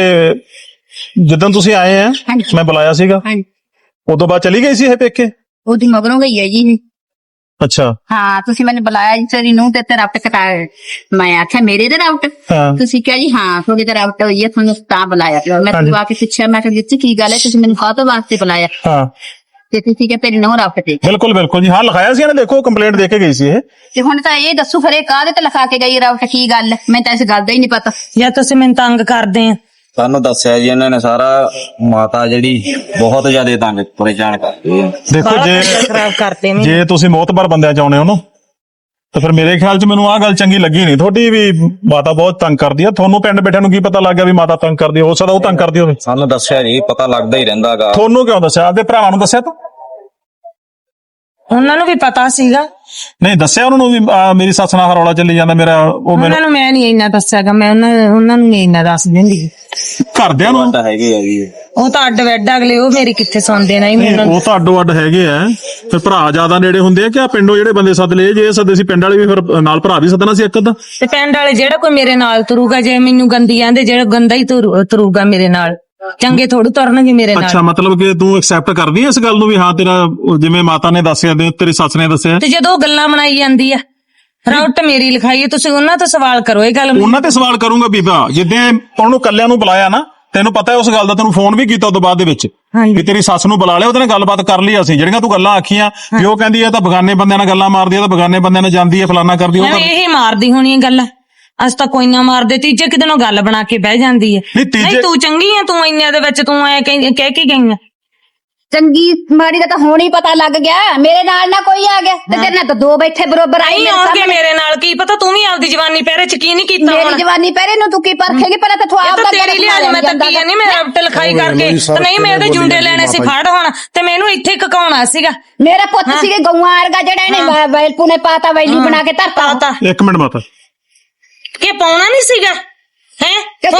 Speaker 1: ਇਹ ਜਿੱਦਾਂ ਤੁਸੀਂ ਆਏ ਆ, ਮੈਂ ਬੁਲਾਇਆ ਸੀਗਾ, ਉਦੋਂ ਬਾਅਦ ਚਲੀ ਗਈ ਸੀ ਇਹ ਪੇਕੇ?
Speaker 2: ਉਹਦੀ ਮਗਰੋਂ ਗਈ ਹੈ ਜੀ।
Speaker 1: ਅੱਛਾ
Speaker 2: ਹਾਂ, ਤੁਸੀਂ ਮੈਨੂੰ ਬੁਲਾਇਆ ਜੀ, ਤੇਰੀ ਨੂੰਹ ਤੇ ਰਾਊਟ ਕਟਾਇਆ। ਮੈਂ ਆਖਿਆ ਮੇਰੇ ਤੇ ਰਾਊਟ?
Speaker 1: ਹਾਂ।
Speaker 2: ਤੁਸੀਂ ਕਿਹਾ ਜੀ ਹਾਂ ਤੁਹਾਡੀ ਤੇ ਰਾਊਟ ਹੋਈ ਹੈ, ਤੁਹਾਨੂੰ ਤਾਂ ਬੁਲਾਇਆ। ਮੈਂ ਤੁਹਾਨੂੰ ਆ ਕੇ ਪੁੱਛਿਆ, ਮੈਂ ਕਿਹਾ ਜੀ ਕੀ ਗੱਲ ਹੈ, ਤੁਸੀਂ ਮੈਨੂੰ ਕਾਹਤੋਂ ਵਾਸਤੇ ਬੁਲਾਇਆ?
Speaker 1: ਹਾਂ
Speaker 2: ਤੇ ਤੁਸੀਂ ਕਿਹਾ ਤੇਰੀ ਨੂੰਹ ਰਾਊਟ ਤੇ।
Speaker 1: ਬਿਲਕੁਲ ਬਿਲਕੁਲ ਜੀ, ਹਾਂ ਲਿਖਾਇਆ ਸੀ ਇਹਨੇ, ਦੇਖੋ ਕੰਪਲੇਂਟ ਦੇ ਕੇ ਗਈ ਸੀ ਇਹ।
Speaker 2: ਤੇ ਹੁਣ ਤਾਂ ਇਹ ਦੱਸੋ ਫਿਰ ਇਹ ਕਾਹਦੇ ਤੇ ਲਿਖਾ ਕੇ ਗਈ ਰਾਊਟ, ਕੀ ਗੱਲ? ਮੈਨੂੰ ਤਾਂ ਇਸ ਗੱਲ ਦਾ ਹੀ ਨਹੀਂ ਪਤਾ।
Speaker 3: ਜਾਂ ਤੁਸੀਂ ਮੈਨੂੰ ਤੰਗ ਕਰਦੇ ਆ?
Speaker 7: ਸਾਨੂੰ ਦੱਸਿਆ ਜੀ ਇਹਨਾਂ ਨੇ ਸਾਰਾ, ਮਾਤਾ ਜਿਹੜੀ ਬਹੁਤ ਜ਼ਿਆਦਾ ਤੰਗ ਪਰੇਸ਼ਾਨ ਕਰਦੀ ਹੈ।
Speaker 1: ਦੇਖੋ
Speaker 3: ਖਰਾਬ ਕਰਦੇ ਨੇ।
Speaker 1: ਜੇ ਤੁਸੀਂ ਮੋਤਬਰ ਬੰਦਿਆਂ ਚ ਆਉਣੇ ਹੋ ਨਾ, ਤਾਂ ਫਿਰ ਮੇਰੇ ਖਿਆਲ ਚ ਮੈਨੂੰ ਆਹ ਗੱਲ ਚੰਗੀ ਲੱਗੀ ਨਹੀਂ ਤੁਹਾਡੀ, ਵੀ ਮਾਤਾ ਬਹੁਤ ਤੰਗ ਕਰਦੀ ਆ। ਤੁਹਾਨੂੰ ਪਿੰਡ ਬੈਠਿਆਂ ਨੂੰ ਕੀ ਪਤਾ ਲੱਗ ਗਿਆ ਵੀ ਮਾਤਾ ਤੰਗ ਕਰਦੀ? ਹੋ ਸਕਦਾ ਉਹ ਤੰਗ ਕਰਦੀ ਹੋਵੇ।
Speaker 7: ਸਾਨੂੰ ਦੱਸਿਆ ਜੀ, ਪਤਾ ਲੱਗਦਾ ਹੀ ਰਹਿੰਦਾਗਾ।
Speaker 1: ਤੁਹਾਨੂੰ ਕਿਉਂ ਦੱਸਿਆ? ਆਪਦੇ ਭਰਾਵਾਂ ਨੂੰ ਦੱਸਿਆ ਤੂੰ?
Speaker 3: ਉਹਨਾਂ ਨੂੰ ਵੀ ਪਤਾ ਸੀਗਾ।
Speaker 1: ਨਹੀਂ ਦੱਸਿਆ ਉਹਨਾਂ ਨੂੰ ਵੀ ਮੇਰੀ ਸੱਸ ਨਾਲ ਰੌਲਾ ਚੱਲੀ ਜਾਂਦਾ ਮੇਰਾ?
Speaker 3: ਉਹਨਾਂ ਨੂੰ ਮੈਂ ਨਹੀਂ ਇੰਨਾ ਦੱਸਿਆਗਾ, ਮੈਂ ਉਹਨਾਂ ਨੂੰ ਨਹੀਂ ਇੰਨਾ ਦੱਸ ਦਿੰਦੀ।
Speaker 1: ਘਰਦਿਆਂ ਨੂੰ
Speaker 7: ਤਾਂ ਹੈਗੇ ਆ ਜੀ,
Speaker 3: ਉਹ ਤਾਂ ਅੱਡ ਵੈਡ ਅਗਲੇ, ਉਹ ਮੇਰੀ ਕਿੱਥੇ ਸੁਣਦੇ ਨਹੀਂ।
Speaker 1: ਉਹ ਤਾਂ ਅੱਡੋ ਅੱਡ ਹੈਗੇ ਆ, ਫਿਰ ਭਰਾ ਜ਼ਿਆਦਾ ਨੇੜੇ ਹੁੰਦੇ ਆ ਕਿ ਆ ਪਿੰਡੋਂ ਜਿਹੜੇ ਬੰਦੇ ਸੱਦ ਲਏ? ਜੇ ਸੱਦੇ ਸੀ ਪਿੰਡ ਵਾਲੇ ਵੀ, ਫਿਰ ਨਾਲ ਭਰਾ ਵੀ ਸੱਦਣਾ ਸੀ ਇੱਕ ਅੱਧਾ।
Speaker 3: ਤੇ ਪਿੰਡ ਵਾਲੇ ਜਿਹੜਾ ਕੋਈ ਮੇਰੇ ਨਾਲ ਤੁਰੂਗਾ, ਜੇ ਮੈਨੂੰ ਗੰਦੀ ਆਂਦੇ, ਜਿਹੜਾ ਗੰਦਾ ਹੀ ਤੁਰੂਗਾ ਮੇਰੇ ਨਾਲ, ਚੰਗੇ ਥੋੜੂ ਤੁਰਨਗੇ ਮੇਰੇ ਨਾਲ।
Speaker 1: ਅੱਛਾ ਮਤਲਬ ਕਿ ਤੂੰ ਐਕਸੈਪਟ ਕਰਦੀ ਐ ਇਸ ਗੱਲ ਨੂੰ ਵੀ ਹਾਂ ਤੇਰਾ, ਜਿਵੇਂ ਮਾਤਾ ਨੇ ਦੱਸਿਆ ਤੇ ਤੇਰੀ ਸੱਸ ਨੇ ਦੱਸਿਆ?
Speaker 3: ਤੇ ਜਦੋਂ ਉਹ ਗੱਲਾਂ ਬਣਾਈ ਜਾਂਦੀ ਆ, ਰਾਊਟ ਮੇਰੀ ਲਿਖਾਈ, ਤੁਸੀਂ ਉਹਨਾਂ ਤੋਂ ਸਵਾਲ ਕਰੋ ਇਹ ਗੱਲ।
Speaker 1: ਉਹਨਾਂ ਤੇ ਸਵਾਲ ਕਰੂੰਗਾ ਬੀਬਾ, ਜਿੱਦਾਂ ਉਹਨੂੰ ਕੱਲਿਆਂ ਨੂੰ ਬੁਲਾਇਆ ਨਾ, ਤੈਨੂੰ ਪਤਾ ਹੈ ਉਸ ਗੱਲ ਦਾ, ਤੈਨੂੰ ਫੋਨ ਵੀ ਕੀਤਾ ਉਦੋਂ ਬਾਅਦ ਦੇ ਵਿੱਚ ਵੀ ਤੇਰੀ ਸੱਸ ਨੂੰ ਬੁਲਾ ਲਿਆ, ਉਹਦੇ ਨਾਲ ਗੱਲਬਾਤ ਕਰ ਲਈ ਅਸੀਂ। ਜਿਹੜੀਆਂ ਤੂੰ ਗੱਲਾਂ ਆਖੀਆਂ ਵੀ ਉਹ ਕਹਿੰਦੀ ਆ ਤਾਂ ਬਗਾਨੇ ਬੰਦਿਆਂ ਨਾਲ ਗੱਲਾਂ ਮਾਰਦੀ ਆ, ਤਾਂ ਬਗਾਨੇ ਬੰਦਿਆਂ ਨਾਲ ਜਾਂਦੀ ਆ, ਫਲਾਨਾ ਕਰਦੀ ਉਹ।
Speaker 3: ਇਹ ਮਾਰਦੀ ਹੋਣੀ ਗੱਲਾਂ, ਅਸ ਤਾਂ ਕੋਈ ਨਾ ਮਾਰਦੇ, ਤੀਜੇ ਕਿਤੇ ਨੂੰ ਗੱਲ ਬਣਾ ਕੇ ਬਹਿ ਜਾਂਦੀ ਹੈ। ਨਹੀਂ ਤੂੰ ਚੰਗੀ ਆ, ਤੂੰ ਇੰਨੇ ਦੇ ਵਿੱਚ ਤੂੰ ਐ ਕਹਿ ਕੇ ਗਈ ਆ।
Speaker 2: ਚੰਗੀ ਮਾੜੀ ਦਾ ਤਾਂ ਹੁਣ ਹੀ ਪਤਾ ਲੱਗ ਗਿਆ, ਮੇਰੇ ਨਾਲ ਨਾ ਕੋਈ ਆ ਗਿਆ ਤੇ ਤੇਰੇ ਨਾਲ ਤਾਂ ਦੋ ਬੈਠੇ ਬਰੋਬਰ ਆਈ
Speaker 3: ਆਉਣਗੇ ਮੇਰੇ ਨਾਲ, ਕੀ ਪਤਾ ਤੂੰ ਵੀ ਆਪਦੀ ਜਵਾਨੀ ਪਹਿਰੇ ਚ ਕੀ ਨਹੀਂ ਕੀਤਾ।
Speaker 2: ਮੇਰੀ ਜਵਾਨੀ ਪਹਿਰੇ ਨੂੰ ਤੂੰ ਕੀ ਪਰਖੇਗੀ? ਪਹਿਲਾਂ ਤਾਂ ਤੂੰ ਆਪ ਦਾ
Speaker 3: ਤੇਰੀ ਲਿਹਾਜ਼ ਮੈਂ ਤਾਂ ਕੀ ਨਹੀਂ, ਮੈਂ ਰਾਊਟ ਲਿਖਾਈ ਕਰਕੇ ਤੇ ਨਹੀਂ ਮੈਂ ਉਹਦੇ ਜੁੰਡੇ ਲੈਣੇ ਸੀ ਫੜ ਹੁਣ, ਤੇ ਮੈਨੂੰ ਇੱਥੇ ਕਕਾਉਣਾ ਸੀਗਾ।
Speaker 2: ਮੇਰਾ ਪੁੱਤ ਸੀਗੇ ਗਊਆਂ ਵਰਗਾ, ਜਿਹੜਾ ਇਹਨੇ ਵੈਲਪੂ ਨੇ ਪਾਤਾ, ਵੈਲੀ ਬਣਾ ਕੇ ਧਰਤਾ।
Speaker 1: ਇੱਕ ਮਿੰਟ ਮਾਤਾ,
Speaker 3: ਕਿ ਪਾਉਣਾ ਨਹੀਂ ਸੀਗਾ ਹੈ?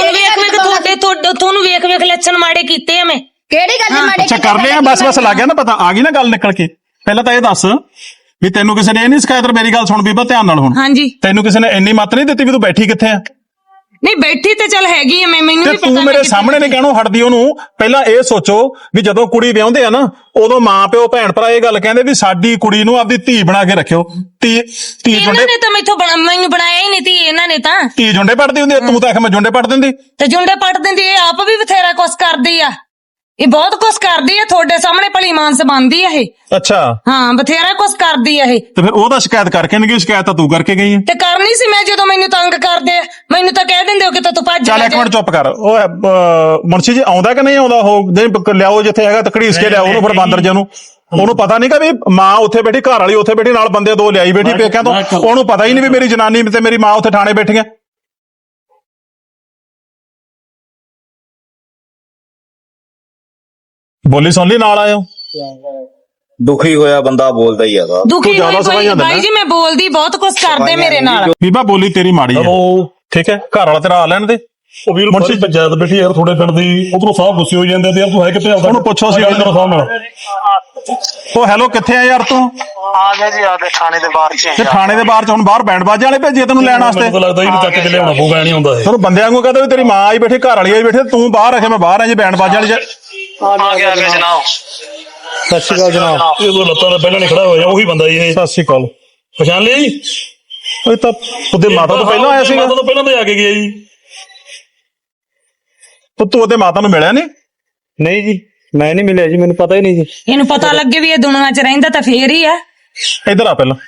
Speaker 3: ਤੁਹਾਨੂੰ ਵੇਖ ਲੱਛਣ ਮਾੜੇ ਕੀਤੇ ਆ ਮੈਂ।
Speaker 2: ਕਿਹੜੀ ਗੱਲ ਮਾੜੇ?
Speaker 1: ਅੱਛਾ ਕਰ ਲਿਆ, ਬਸ ਲੱਗ ਗਿਆ ਨਾ ਪਤਾ, ਆ ਗਈ ਨਾ ਗੱਲ ਨਿਕਲ ਕੇ। ਪਹਿਲਾਂ ਤਾਂ ਇਹ ਦੱਸ ਵੀ ਤੈਨੂੰ ਕਿਸੇ ਨੇ ਇਹ ਨਹੀਂ ਸਿਖਾਇਆ? ਮੇਰੀ ਗੱਲ ਸੁਣ ਬੀਬਾ ਧਿਆਨ ਨਾਲ ਹੁਣ।
Speaker 3: ਹਾਂਜੀ।
Speaker 1: ਤੈਨੂੰ ਕਿਸੇ ਨੇ ਇੰਨੀ ਮੱਤ ਨਹੀਂ ਦਿੱਤੀ ਵੀ ਤੂੰ ਬੈਠੀ ਕਿੱਥੇ ਆ?
Speaker 3: ਨਹੀਂ ਬੈਠੀ ਤੇ ਚੱਲ ਹੈਗੀ ਆ, ਮੈਨੂੰ ਵੀ ਪਤਾ।
Speaker 1: ਤੂੰ ਮੇਰੇ ਸਾਹਮਣੇ ਨੇ ਕਹਿਣੋਂ ਹਟਦੀ ਉਹਨੂੰ। ਪਹਿਲਾਂ ਇਹ ਸੋਚੋ ਵੀ ਜਦੋਂ ਕੁੜੀ ਵਿਆਹੁੰਦੇ ਆ ਨਾ, ਉਦੋਂ ਮਾਂ ਪਿਓ ਭੈਣ ਭਰਾ ਇਹ ਗੱਲ ਕਹਿੰਦੇ ਵੀ ਸਾਡੀ ਕੁੜੀ ਨੂੰ ਆਪਦੀ ਧੀ ਬਣਾ ਕੇ ਰੱਖਿਓ। ਧੀ
Speaker 3: ਇਹਨਾਂ ਨੇ ਤਾਂ ਮੈਨੂੰ ਬਣਾਇਆ ਹੀ ਨਹੀਂ ਧੀ, ਇਹਨਾਂ ਨੇ ਤਾਂ
Speaker 1: ਧੀ ਜੁੰਡੇ ਪੱਟਦੀ ਹੁੰਦੀ। ਤੂੰ ਤਾਂ ਆਖ ਮੈਂ ਜੁੰਡੇ ਪੱਟ ਦਿੰਦੀ।
Speaker 3: ਤੇ ਜੁੰਡੇ ਪੱਟ ਦਿੰਦੀ, ਇਹ ਆਪ ਵੀ ਬਥੇਰਾ ਕੁਛ ਕਰਦੀ ਆ। ਇਹ ਬਹੁਤ ਕੁਛ ਕਰਦੀ ਆ ਤੁਹਾਡੇ ਸਾਹਮਣੇ ਭਲੀ ਮਾਨਸ ਬਣਦੀ ਆ ਇਹ।
Speaker 1: ਅੱਛਾ
Speaker 3: ਹਾਂ ਬਥੇਰਾ ਕੁਛ ਕਰਦੀ ਆ ਇਹ।
Speaker 1: ਤੇ ਫਿਰ ਉਹਦਾ ਸ਼ਿਕਾਇਤ ਕਰਕੇ ਨਹੀਂ ਗਈ, ਸ਼ਿਕਾਇਤ ਤਾਂ ਤੂੰ ਕਰਕੇ ਗਈ ਹੈ।
Speaker 3: ਤੇ ਕਰਨੀ ਸੀ ਮੈਂ, ਜਦੋਂ ਮੈਨੂੰ ਤੰਗ ਕਰਦੇ ਆ ਮੈਨੂੰ ਤਾਂ ਕਹਿ ਦਿੰਦੇ ਹੋ ਕਿ ਤੂੰ ਭੱਜ
Speaker 1: ਚੱਲ
Speaker 3: ਜਾ।
Speaker 1: ਇੱਕ ਮਿੰਟ ਚੁੱਪ ਕਰ। ਉਹ ਮੁਨਸ਼ੀ ਜੀ ਆਉਂਦਾ ਕਿ ਨਹੀਂ ਆਉਂਦਾ? ਉਹ ਦੇ ਲਿਆਓ ਜਿੱਥੇ ਹੈਗਾ ਤਕੜੀਸ ਕੇ ਲਿਆਓ ਉਹਨੂੰ, ਫਿਰ ਬਾਂਦਰ ਜੀ ਨੂੰ। ਉਹਨੂੰ ਪਤਾ ਨਹੀਂ ਕਿ ਵੀ ਮਾਂ ਉੱਥੇ ਬੈਠੀ, ਘਰ ਵਾਲੀ ਉੱਥੇ ਬੈਠੀ, ਨਾਲ ਬੰਦੇ ਦੋ ਲਿਆਈ ਬੈਠੀ ਪੇਕਿਆਂ ਤੋਂ। ਉਹਨੂੰ ਪਤਾ ਹੀ ਨਹੀਂ ਵੀ ਮੇਰੀ ਜਨਾਨੀ ਤੇ ਮੇਰੀ ਮਾਂ ਉੱਥੇ ਥਾਣੇ ਬੈਠੀਆਂ। ਬੋਲੀ ਸੁਣ ਲਈ, ਨਾਲ ਆਇਓ।
Speaker 7: ਦੁਖੀ ਹੋਇਆ ਬੰਦਾ ਬੋਲਦਾ ਹੀ ਹੈਗਾ।
Speaker 3: ਦੁਖੀ
Speaker 1: ਜ਼ਿਆਦਾ
Speaker 3: ਹੋਈ
Speaker 1: ਸਵਾਈਆਂ ਦਿੰਦਾ।
Speaker 3: ਬਾਈ ਜੀ ਮੈਂ ਬੋਲਦੀ ਬਹੁਤ ਕੁਛ ਕਰਦੇ ਮੇਰੇ ਨਾਲ।
Speaker 1: ਬੀਬਾ ਬੋਲੀ ਤੇਰੀ ਮਾੜੀ ਹੈ,
Speaker 5: ਉਹ
Speaker 1: ਠੀਕ ਹੈ, ਘਰ ਵਾਲਾ ਤੇਰਾ ਆ ਲੈਣ ਦੇ।
Speaker 5: ਉਹ ਵੀਰ ਮੁਨਸ਼ੀ ਪੰਚਾਇਤ ਬੈਠੀ ਯਾਰ ਤੁਹਾਡੇ ਪਿੰਡ ਦੀ, ਉਧਰੋਂ ਸਾਹ ਗੁੱਸੇ ਹੋ ਜਾਂਦੇ ਤੇ ਯਾਰ ਤੂੰ ਹੈ ਕਿੱਥੇ ਆਉਂਦਾ?
Speaker 1: ਉਹਨੂੰ ਪੁੱਛੋ ਸੀ
Speaker 5: ਸਾਹ ਨਾਲ।
Speaker 1: ਉਹ ਹੈਲੋ ਕਿੱਥੇ ਆ ਯਾਰ ਤੂੰ?
Speaker 8: ਆ ਗਿਆ ਜੀ, ਆ ਕੇ ਥਾਣੇ ਦੇ ਬਾਹਰ ਚ
Speaker 1: ਤੇ ਥਾਣੇ ਦੇ ਬਾਹਰ ਚ ਹੁਣ ਬਾਹਰ ਬੈਂਡ ਬਾਜੇ ਵਾਲੇ ਭੇਜੇ ਤੈਨੂੰ ਲੈਣ ਵਾਸਤੇ।
Speaker 5: ਮੈਨੂੰ ਤਾਂ ਲੱਗਦਾ ਇਹਨੂੰ ਚੱਕ ਕੇ ਲਿਆਉਣਾ ਪਊਗਾ, ਨਹੀਂ ਆਉਂਦਾ ਇਹ।
Speaker 1: ਤੁਹਾਨੂੰ ਬੰਦਿਆਂ ਨੂੰ ਕਹਦਾ ਵੀ ਤੇਰੀ ਮਾਂ ਆਈ ਬੈਠੀ, ਘਰ ਵਾਲੀ ਆਈ ਬੈਠੀ, ਤੂੰ ਬਾਹਰ ਰੱਖੇ, ਮੈਂ ਬਾਹਰ ਆ ਜੀ ਬੈਂਡ ਬਾਜੇ ਵਾਲੀ।
Speaker 8: ਆ ਗਿਆ ਜਨਾਬ।
Speaker 1: ਸਤਿ ਸ਼੍ਰੀ ਅਕਾਲ ਜਨਾਬ।
Speaker 5: ਇਹ ਉਹ ਲੱਤਾਂ ਦਾ ਪਹਿਲਾਂ ਨਹੀਂ ਖੜਾ ਹੋਇਆ, ਉਹੀ ਬੰਦਾ ਇਹ।
Speaker 1: ਸਤਿ ਸ਼੍ਰੀ ਅਕਾਲ।
Speaker 5: ਪਛਾਣ ਲਿਆ ਜੀ?
Speaker 1: ਉਹ ਤਾਂ ਉਹਦੇ ਮਾਤਾ ਤੋਂ ਪਹਿਲਾਂ ਆਇਆ ਸੀਗਾ।
Speaker 5: ਮਾਤਾ ਤੋਂ ਪਹਿਲਾਂ ਤਾਂ ਆ ਕੇ ਗਿਆ ਜੀ।
Speaker 1: ਤੂੰ ਉਹਦੇ ਮਾਤਾ ਨੂੰ ਮਿਲਿਆ ਨਹੀਂ?
Speaker 6: ਨਹੀਂ ਜੀ ਮੈਂ ਨਹੀਂ ਮਿਲਿਆ ਜੀ, ਮੈਨੂੰ ਪਤਾ ਹੀ ਨਹੀਂ ਜੀ।
Speaker 3: ਇਹਨੂੰ ਪਤਾ ਲੱਗੇ ਵੀ ਇਹ ਦੁਨੀਆ 'ਚ ਰਹਿੰਦਾ ਤਾਂ ਫੇਰ ਹੀ ਆ।
Speaker 1: ਇੱਧਰ ਆ ਪਹਿਲਾਂ।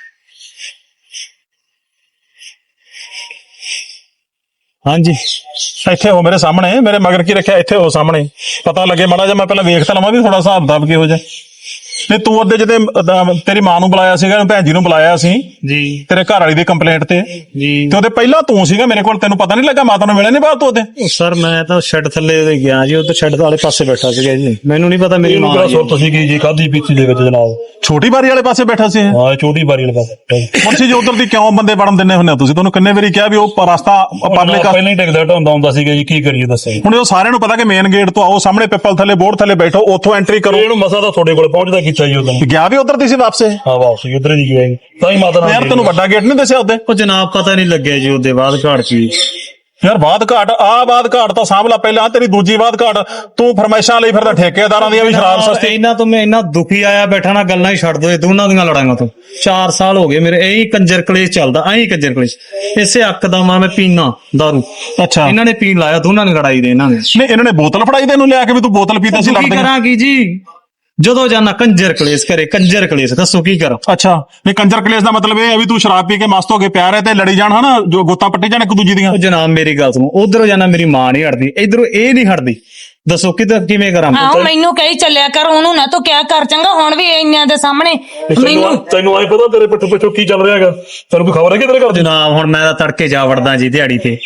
Speaker 6: ਹਾਂਜੀ
Speaker 1: ਇੱਥੇ ਹੋ ਮੇਰੇ ਸਾਹਮਣੇ, ਮੇਰੇ ਮਗਰ ਕੀ ਰੱਖਿਆ, ਇੱਥੇ ਹੋ ਸਾਹਮਣੇ, ਪਤਾ ਲੱਗੇ ਮਾੜਾ ਜਿਹਾ। ਮੈਂ ਪਹਿਲਾਂ ਵੇਖ ਤਾਂ ਲਵਾਂ ਵੀ ਥੋੜਾ ਹਿਸਾਬ ਕਿਤਾਬ ਕਿਹੋ ਜਿਹਾ। ਨਹੀਂ ਤੂੰ ਉਹਦੇ ਜਿਹਦੇ ਤੇਰੀ ਮਾਂ ਨੂੰ ਬੁਲਾਇਆ ਸੀਗਾ, ਭੈਣ ਜੀ ਨੂੰ ਬੁਲਾਇਆ ਸੀ
Speaker 6: ਜੀ
Speaker 1: ਤੇਰੇ ਘਰ ਵਾਲੀ ਦੀ ਕੰਪਲੇਂਟ ਤੇ,
Speaker 6: ਜੀ
Speaker 1: ਤੇ ਉਹਦੇ ਪਹਿਲਾਂ ਤੂੰ ਸੀਗਾ ਮੇਰੇ ਕੋਲ, ਤੈਨੂੰ ਪਤਾ ਨਹੀਂ ਲੱਗਾ? ਮਾਤਾ ਨੂੰ ਮਿਲਿਆ ਨਹੀਂ ਬਾਅਦ ਤੋਂ ਉਹਦੇ?
Speaker 6: ਸਰ ਮੈਂ ਤਾਂ ਸ਼ੈੱਡ ਥੱਲੇ ਗਿਆ ਜੀ, ਉਧਰ ਸ਼ੈੱਡ ਵਾਲੇ ਪਾਸੇ ਬੈਠਾ ਸੀਗਾ ਜੀ, ਮੈਨੂੰ ਨਹੀਂ ਪਤਾ ਮੇਰੀ
Speaker 5: ਇਹਨੂੰ
Speaker 6: ਮਾਂ
Speaker 5: ਕਿਹੜਾ
Speaker 6: ਜੀ।
Speaker 5: ਸੁਰਤ ਸੀਗੀ ਜੀ ਖਾਦੀ ਪੀਤੀ ਦੇ ਵਿੱਚ ਜਨਾਬ?
Speaker 1: ਛੋਟੀ ਬਾਰੀ ਵਾਲੇ ਪਾਸੇ ਬੈਠਾ ਸੀ ਇਹ?
Speaker 5: ਹਾਂ ਛੋਟੀ ਬਾਰੀ ਵਾਲੇ ਪਾਸੇ।
Speaker 1: ਮੁਨਸ਼ੀ ਜੀ ਉਧਰ ਦੀ ਕਿਉਂ ਬੰਦੇ ਵੜਨ ਦਿੰਦੇ ਹੁੰਦੇ ਹੋ ਤੁਸੀਂ? ਤੁਹਾਨੂੰ ਕਿੰਨੇ ਵਾਰੀ ਕਿਹਾ ਵੀ ਉਹ ਰਸਤਾ ਪਬਲਿਕ।
Speaker 5: ਪਹਿਲਾਂ ਹੀ ਟਿਕਦਾ ਢਾਉਂਦਾ ਹੁੰਦਾ ਸੀਗਾ ਜੀ, ਕੀ ਕਰੀਏ ਦੱਸੋ?
Speaker 1: ਹੁਣ ਉਹ ਸਾਰਿਆਂ ਨੂੰ ਪਤਾ ਕਿ ਮੇਨ ਗੇਟ ਤੋਂ ਆਓ, ਸਾਹਮਣੇ ਪਿੱਪਲ ਥੱਲੇ ਬੋਰਡ ਥੱਲੇ ਬੈਠੋ, ਉੱਥੋਂ ਐਂਟਰੀ ਕਰੋ।
Speaker 5: ਇਹਨੂੰ ਮਸਾ ਤਾਂ ਤੁਹਾਡੇ ਕੋਲ ਪਹੁੰਚਦਾ ਕੀਤਾ ਜੀ ਉਦੋਂ।
Speaker 1: ਗਿਆ ਵੀ ਉਧਰ ਦੀ ਸੀ ਵਾਪਸ ਇਹ?
Speaker 5: ਹਾਂ ਵਾਪਸ ਉਧਰ ਹੀ ਗਿਆ ਜੀ, ਤਾਂ ਹੀ ਮਾਤਾ ਨਾਲ।
Speaker 1: ਯਾਰ ਤੈਨੂੰ ਵੱਡਾ ਗੇਟ ਨਹੀਂ ਦੱਸਿਆ ਉਹਦੇ?
Speaker 6: ਉਹ ਜਨਾਬ ਪਤਾ ਨਹੀਂ ਲੱਗਿਆ ਜੀ ਉਹਦੇ ਬਾਅਦ ਘਾੜ ਕੀ।
Speaker 1: ਯਾਰ ਬਾਦ ਘਾਟ ਬਾਦ ਘਾਟ ਤਾਂ ਸਾਂਭਲਾ ਪਹਿਲਾਂ, ਤੇਰੀ ਦੂਜੀ ਬਾਦ ਘਾਟ। ਤੂੰ ਫਰਮਾਇਸ਼ਾਂ ਲਈ ਫਿਰਦਾ ਠੇਕੇਦਾਰਾਂ ਦੀਆਂ ਵੀ ਸ਼ਰਾਬ ਸਸਤੀ।
Speaker 6: ਇਹਨਾਂ ਤੋਂ ਮੈਂ ਇੰਨਾ ਦੁਖੀ ਆਇਆ ਬੈਠਾ ਨਾ, ਗੱਲਾਂ ਹੀ ਛੱਡ ਦੋ ਇਹ ਦੋਨਾਂ ਦੀਆਂ ਲੜਾਈਆਂ ਤੋਂ। 4 ਸਾਲ ਹੋ ਗਏ ਮੇਰੇ ਇਹੀ ਕੰਜਰ ਕਲੇਸ਼ ਚੱਲਦਾ, ਐਂ ਕੰਜਰ ਕਲੇਸ਼। ਇਸੇ ਅੱਕ ਦਾ ਮੈਂ ਪੀਣਾ ਦਾਰੂ,
Speaker 1: ਅੱਛਾ
Speaker 6: ਇਹਨਾਂ ਨੇ ਪੀਣ ਲਾਇਆ, ਦੋਨਾਂ ਨੇ ਲੜਾਈ ਦੇ ਇਹਨਾਂ ਨੇ।
Speaker 1: ਨਹੀਂ ਇਹਨਾਂ ਨੇ ਬੋਤਲ ਫੜਾਈ ਤੈਨੂੰ ਲਿਆ ਕੇ ਵੀ ਤੂੰ ਬੋਤਲ ਪੀਤਾ ਸੀ,
Speaker 6: ਕੀ
Speaker 1: ਲੜਦੇ।
Speaker 6: ਕਰਾਂਗੀ ਜੀ, ਜਦੋਂ ਜਾਣਾ ਕੰਜਰ ਕਲੇਸ਼ ਕਰੇ, ਕੰਜਰ ਕਲੇਸ਼, ਦੱਸੋ ਕੀ ਕਰਾਂ?
Speaker 1: ਅੱਛਾ ਨਹੀਂ ਕੰਜਰ ਕਲੇਸ਼ ਦਾ ਮਤਲਬ ਇਹ ਹੈ ਵੀ ਤੂੰ ਸ਼ਰਾਬ ਪੀ ਕੇ ਮਸਤ ਹੋ ਕੇ ਪਿਆ ਰਿਹਾ ਤੇ ਲੜੀ ਜਾਣ, ਹਨਾ, ਜੋ ਗੋਤਾ ਪੱਟੀ ਜਾਣ ਇੱਕ ਦੂਜੀ ਦੀਆਂ।
Speaker 6: ਉਹ ਜਨਾਬ ਮੇਰੀ ਗੱਲ ਸੁਣੋ, ਉਧਰੋਂ ਜਾਣਾ ਮੇਰੀ ਮਾਂ ਨਹੀਂ ਹਟਦੀ, ਇਧਰੋਂ ਇਹ ਨਹੀਂ ਹਟਦੀ, ਦੱਸੋ ਕਿਵੇਂ ਕਰਾਂ?
Speaker 3: ਆਹੋ ਮੈਨੂੰ ਕਹੀ ਚੱਲਿਆ ਕਰ, ਉਹਨੂੰ ਨਾ ਤੂੰ ਕਿਆ ਕਰ ਚੰਗਾ। ਹੁਣ ਵੀ ਇੰਨਿਆਂ ਦੇ ਸਾਹਮਣੇ ਮੈਨੂੰ
Speaker 5: ਤੈਨੂੰ ਆਏ ਪਤਾ ਤੇਰੇ ਪਿੱਛੇ ਪਿੱਛੇ ਕੀ ਚੱਲ ਰਿਹਾ ਹੈਗਾ? ਤੈਨੂੰ ਕੋਈ ਖਬਰ ਹੈ ਕਿ ਤੇਰੇ ਘਰ ਦੇ?
Speaker 6: ਜਨਾਬ ਹੁਣ ਮੈਂ ਤਾਂ ਤੜਕੇ ਜਾ ਵੜਦਾ ਜੀ ਦਿਹਾੜੀ ਤੇ।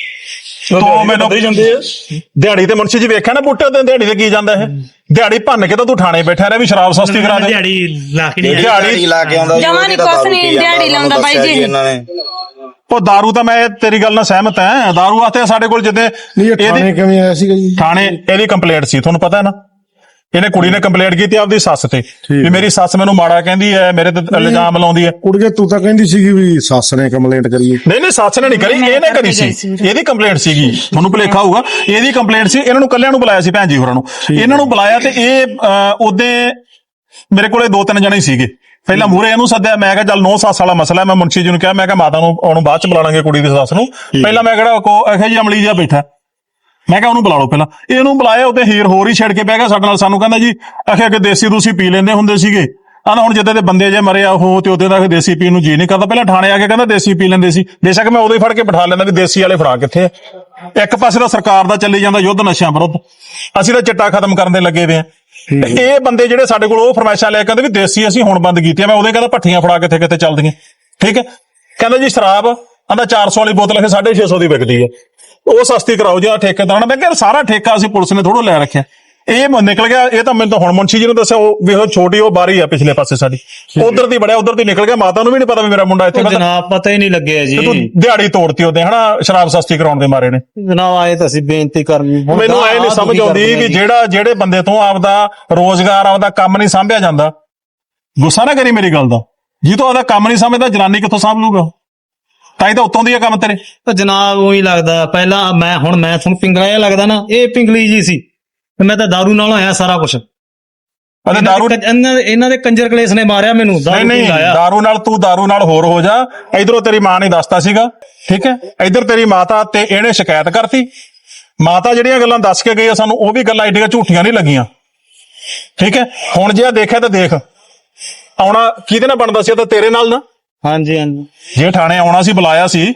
Speaker 1: ਤੂੰ ਮੈਨੂੰ
Speaker 5: ਦੇ ਜਾਂਦੇ ਆ
Speaker 1: ਦਿਹਾੜੀ ਤੇ ਮੁਨਸ਼ੀ ਜੀ ਵੇਖਿਆ ਨਾ ਬੂਟੇ ਤੇ ਦਿਹਾੜੀ ਤੇ ਕੀ ਜਾਂਦਾ ਇਹ? ਦਿਹਾੜੀ ਭੰਨ ਕੇ ਤਾਂ ਤੂੰ ਥਾਣੇ ਬੈਠਾ ਰਿਹਾ ਵੀ ਸ਼ਰਾਬ ਸਸਤੀ ਕਰਾ ਦੇ।
Speaker 6: ਦਿਹਾੜੀ ਲਾ ਕੇ ਨਹੀਂ
Speaker 1: ਦਿਹਾੜੀ
Speaker 7: ਲਾ ਕੇ ਆਉਂਦਾ ਜੀ,
Speaker 3: ਜਮਾਂ
Speaker 7: ਉਹਦੀ
Speaker 3: ਨੀ
Speaker 7: ਤਾਂ
Speaker 3: ਕੁਛ
Speaker 7: ਦਾਰੂ
Speaker 3: ਨੀ,
Speaker 7: ਪੀ ਜਾਂਦਾ,
Speaker 3: ਦਿਹਾੜੀ ਲਾਉਂਦਾ ਬਾਈ
Speaker 7: ਦੱਸਿਆ
Speaker 3: ਜੀ।
Speaker 7: ਇਹਨਾਂ ਨੇ।
Speaker 1: ਉਹ ਦਾਰੂ ਤਾਂ ਮੈਂ ਤੇਰੀ ਗੱਲ ਨਾਲ ਸਹਿਮਤ ਹਾਂ, ਦਾਰੂ ਵਾਸਤੇ ਸਾਡੇ ਕੋਲ ਜਿੱਦੇ
Speaker 4: ਨਹੀਂ ਇਹ ਥਾਣੇ ਕਿਵੇਂ ਆਇਆ ਸੀਗਾ ਜੀ?
Speaker 1: ਥਾਣੇ ਇਹਦੀ ਕੰਪਲੇਂਟ ਸੀ, ਤੁਹਾਨੂੰ ਪਤਾ ਹੈ ਨਾ। ਇਹਨੇ ਕੁੜੀ ਨੇ ਕੰਪਲੇਂਟ ਕੀਤੀ ਆਪਦੀ ਸੱਸ ਤੇ ਵੀ ਮੇਰੀ ਸੱਸ ਮੈਨੂੰ ਮਾੜਾ ਕਹਿੰਦੀ ਹੈ, ਮੇਰੇ ਤੇ ਇਲਜ਼ਾਮ ਲਾਉਂਦੀ ਹੈ।
Speaker 4: ਕੁੜੀਏ ਤੂੰ ਤਾਂ ਕਹਿੰਦੀ ਸੀਗੀ ਵੀ ਸੱਸ ਨੇ ਕੰਪਲੇਂਟ ਕਰੀ ਹੈ।
Speaker 1: ਨਹੀਂ ਸੱਸ ਨੇ ਨਹੀਂ ਕਰੀ, ਇਹਨੇ ਕਰੀ ਸੀ। ਇਹਦੀ ਕੰਪਲੇਂਟ ਸੀਗੀ, ਤੁਹਾਨੂੰ ਭੁਲੇਖਾ ਹੋਊਗਾ, ਇਹਦੀ ਕੰਪਲੇਂਟ ਸੀ। ਇਹਨਾਂ ਨੂੰ ਕੱਲਿਆਂ ਨੂੰ ਬੁਲਾਇਆ ਸੀ, ਭੈਣ ਜੀ ਹੋਰਾਂ ਨੂੰ। ਇਹਨਾਂ ਨੂੰ ਬੁਲਾਇਆ ਤੇ ਇਹ ਉਹਦੇ ਮੇਰੇ ਕੋਲੇ 2-3 ਜਣੇ ਸੀਗੇ। ਪਹਿਲਾਂ ਮੂਹਰੇ ਇਹਨੂੰ ਸੱਦਿਆ, ਮੈਂ ਕਿਹਾ ਚੱਲ 9 ਸੱਸ ਵਾਲਾ ਮਸਲਾ। ਮੈਂ ਮੁਨਸ਼ੀ ਜੀ ਨੂੰ ਕਿਹਾ, ਮੈਂ ਕਿਹਾ ਮਾਤਾ ਨੂੰ ਉਹਨੂੰ ਬਾਅਦ ਚ ਬੁਲਾ ਲਾਂਗੇ, ਕੁੜੀ ਦੀ ਸੱਸ ਨੂੰ। ਪਹਿਲਾਂ ਮੈਂ ਕਿਹੜਾ ਇਹੋ ਜੀ ਅਮਲੀ ਜਿਹਾ ਬੈਠਾ, ਮੈਂ ਕਿਹਾ ਉਹਨੂੰ ਬੁਲਾ ਲਓ ਪਹਿਲਾਂ। ਇਹਨੂੰ ਬੁਲਾਇਆ, ਉਹਦੇ ਹੀਰ ਹੋਰ ਹੀ ਛੇੜ ਕੇ ਬਹਿ ਗਿਆ ਸਾਡੇ ਨਾਲ। ਸਾਨੂੰ ਕਹਿੰਦਾ ਜੀ ਆਖਿਆ ਕਿ ਦੇਸੀ ਤੁਸੀਂ ਪੀ ਲੈਂਦੇ ਹੁੰਦੇ ਸੀਗੇ, ਆਂਦਾ ਹੁਣ ਜਿੱਦਾਂ ਦੇ ਬੰਦੇ ਜੇ ਮਰੇ ਆ ਉਹ, ਤੇ ਉਹਦੇ ਦਾ ਦੇਸੀ ਪੀਣ ਨੂੰ ਜੀ ਨਹੀਂ ਕਰਦਾ। ਪਹਿਲਾਂ ਥਾਣੇ ਆ ਕੇ ਕਹਿੰਦਾ ਦੇਸੀ ਪੀ ਲੈਂਦੇ ਸੀ। ਬੇਸ਼ੱਕ ਮੈਂ ਉਦੋਂ ਹੀ ਫੜ ਕੇ ਬਿਠਾ ਲੈਂਦਾ ਵੀ ਦੇਸੀ ਵਾਲੇ ਫੜਾ ਕਿੱਥੇ ਆ। ਇੱਕ ਪਾਸੇ ਤਾਂ ਸਰਕਾਰ ਦਾ ਚੱਲੀ ਜਾਂਦਾ ਯੁੱਧ ਨਸ਼ਿਆਂ ਵਿਰੁੱਧ, ਅਸੀਂ ਤਾਂ ਚਿੱਟਾ ਖਤਮ ਕਰਨ ਦੇ ਲੱਗੇ ਵੇ ਆ। ਇਹ ਬੰਦੇ ਜਿਹੜੇ ਸਾਡੇ ਕੋਲ ਉਹ ਫਰਮਾਇਸ਼ਾਂ ਲੈ ਕੇ ਕਹਿੰਦੇ ਵੀ ਦੇਸੀ ਅਸੀਂ ਹੁਣ ਬੰਦ ਕੀਤੀਆਂ। ਮੈਂ ਉਹਦੇ ਕਹਿੰਦਾ ਭੱਠੀਆਂ ਫੜਾ ਕਿੱਥੇ ਕਿੱਥੇ ਚੱਲਦੀਆਂ, ਠੀਕ ਹੈ। ਕਹਿੰਦਾ ਜੀ ਸ਼ਰਾਬ ਆਂਦਾ 400 ਵਾਲੀ ਬੋਤਲ 650 ਦੀ ਵਿਕਦੀ ਹੈ, ਉਹ ਸਸਤੀ ਕਰਾਓ ਜੀ ਠੇਕੇਦਾਰਾਂ। ਮੈਂ ਕਿਹਾ ਸਾਰਾ ਠੇਕਾ ਅਸੀਂ ਪੁਲਿਸ ਨੇ ਥੋੜੋ ਲੈ ਰੱਖਿਆ। ਇਹ ਨਿਕਲ ਗਿਆ, ਇਹ ਤਾਂ ਮੈਨੂੰ ਤਾਂ ਹੁਣ ਮੁਨਸ਼ੀ ਜੀ ਨੂੰ ਦੱਸਿਆ। ਉਹ ਵੀ ਉਹ ਛੋਟੀ ਉਹ ਬਾਰੀ ਆ ਪਿਛਲੇ ਪਾਸੇ ਸਾਡੀ, ਉਧਰ ਦੀ ਬੜਿਆ, ਉਧਰ ਦੀ ਨਿਕਲ ਗਿਆ। ਮਾਤਾ ਨੂੰ ਵੀ ਨਹੀਂ ਪਤਾ ਵੀ ਮੇਰਾ ਮੁੰਡਾ ਇੱਥੇ।
Speaker 6: ਜਨਾਬ ਪਤਾ ਹੀ ਨਹੀਂ ਲੱਗਿਆ ਜੀ,
Speaker 1: ਤੂੰ ਦਿਹਾੜੀ ਤੋੜਤੀ ਉਹਦੇ, ਹਨਾ, ਸ਼ਰਾਬ ਸਸਤੀ ਕਰਾਉਣ ਦੇ ਮਾਰੇ ਨੇ।
Speaker 6: ਜਨਾਬ ਆਏ ਤਾਂ ਅਸੀਂ ਬੇਨਤੀ ਕਰਨੀ।
Speaker 1: ਮੈਨੂੰ ਐ ਨਹੀਂ ਸਮਝ ਆਉਂਦੀ ਵੀ ਜਿਹੜੇ ਬੰਦੇ ਤੋਂ ਆਪਦਾ ਰੋਜ਼ਗਾਰ, ਆਪਦਾ ਕੰਮ ਨਹੀਂ ਸਾਂਭਿਆ ਜਾਂਦਾ। ਗੁੱਸਾ ਨਾ ਕਰੀ ਮੇਰੀ ਗੱਲ ਦਾ, ਜੀ ਤੋਂ ਆਪਦਾ ਕੰਮ ਨਹੀਂ ਸਮਝਦਾ, ਜਨਾਨੀ ਕਿੱਥੋਂ ਸਾਂਭ ਲੂਗਾ? ਤਾਂ ਹੀ ਤਾਂ ਉੱਤੋਂ ਦੀ ਆ ਕੰਮ ਤੇਰੇ।
Speaker 6: ਜਨਾਬ ਉਹੀ ਲੱਗਦਾ ਪਹਿਲਾਂ ਮੈਂ ਤੁਹਾਨੂੰ ਪਿੰਗਲਾ ਜਿਹਾ ਲੱਗਦਾ ਨਾ, ਇਹ ਪਿੰਗਲੀ ਜੀ ਸੀ। ਮੈਂ ਤਾਂ ਦਾਰੂ ਨਾਲ ਹੋਇਆ ਸਾਰਾ ਕੁਝ। ਇਹਨਾਂ ਦੇ ਕੰਜਰ ਕਲੇਸ਼ ਨੇ ਮਾਰਿਆ ਮੈਨੂੰ।
Speaker 1: ਨਹੀਂ ਦਾਰੂ ਨਾਲ, ਤੂੰ ਦਾਰੂ ਨਾਲ ਹੋਰ ਹੋ ਜਾ। ਇਧਰੋਂ ਤੇਰੀ ਮਾਂ ਨੇ ਦੱਸਤਾ ਸੀਗਾ, ਠੀਕ ਹੈ। ਇਧਰ ਤੇਰੀ ਮਾਤਾ ਤੇ ਇਹਨੇ ਸ਼ਿਕਾਇਤ ਕਰਤੀ। ਮਾਤਾ ਜਿਹੜੀਆਂ ਗੱਲਾਂ ਦੱਸ ਕੇ ਗਈ ਆ ਸਾਨੂੰ, ਉਹ ਵੀ ਗੱਲਾਂ ਏਡੀਆਂ ਝੂਠੀਆਂ ਨਹੀਂ ਲੱਗੀਆਂ। ਠੀਕ ਹੈ, ਹੁਣ ਜੇ ਆ ਦੇਖਿਆ ਤਾਂ ਦੇਖ, ਆਉਣਾ ਕਿਹਦੇ ਨਾਲ ਬਣਦਾ ਸੀ? ਇਹ ਤਾਂ ਤੇਰੇ ਨਾਲ ਨਾ।
Speaker 6: ਹਾਂਜੀ ਹਾਂਜੀ
Speaker 1: ਜੇ ਥਾਣੇ ਆਉਣਾ ਸੀ, ਬੁਲਾਇਆ ਸੀ,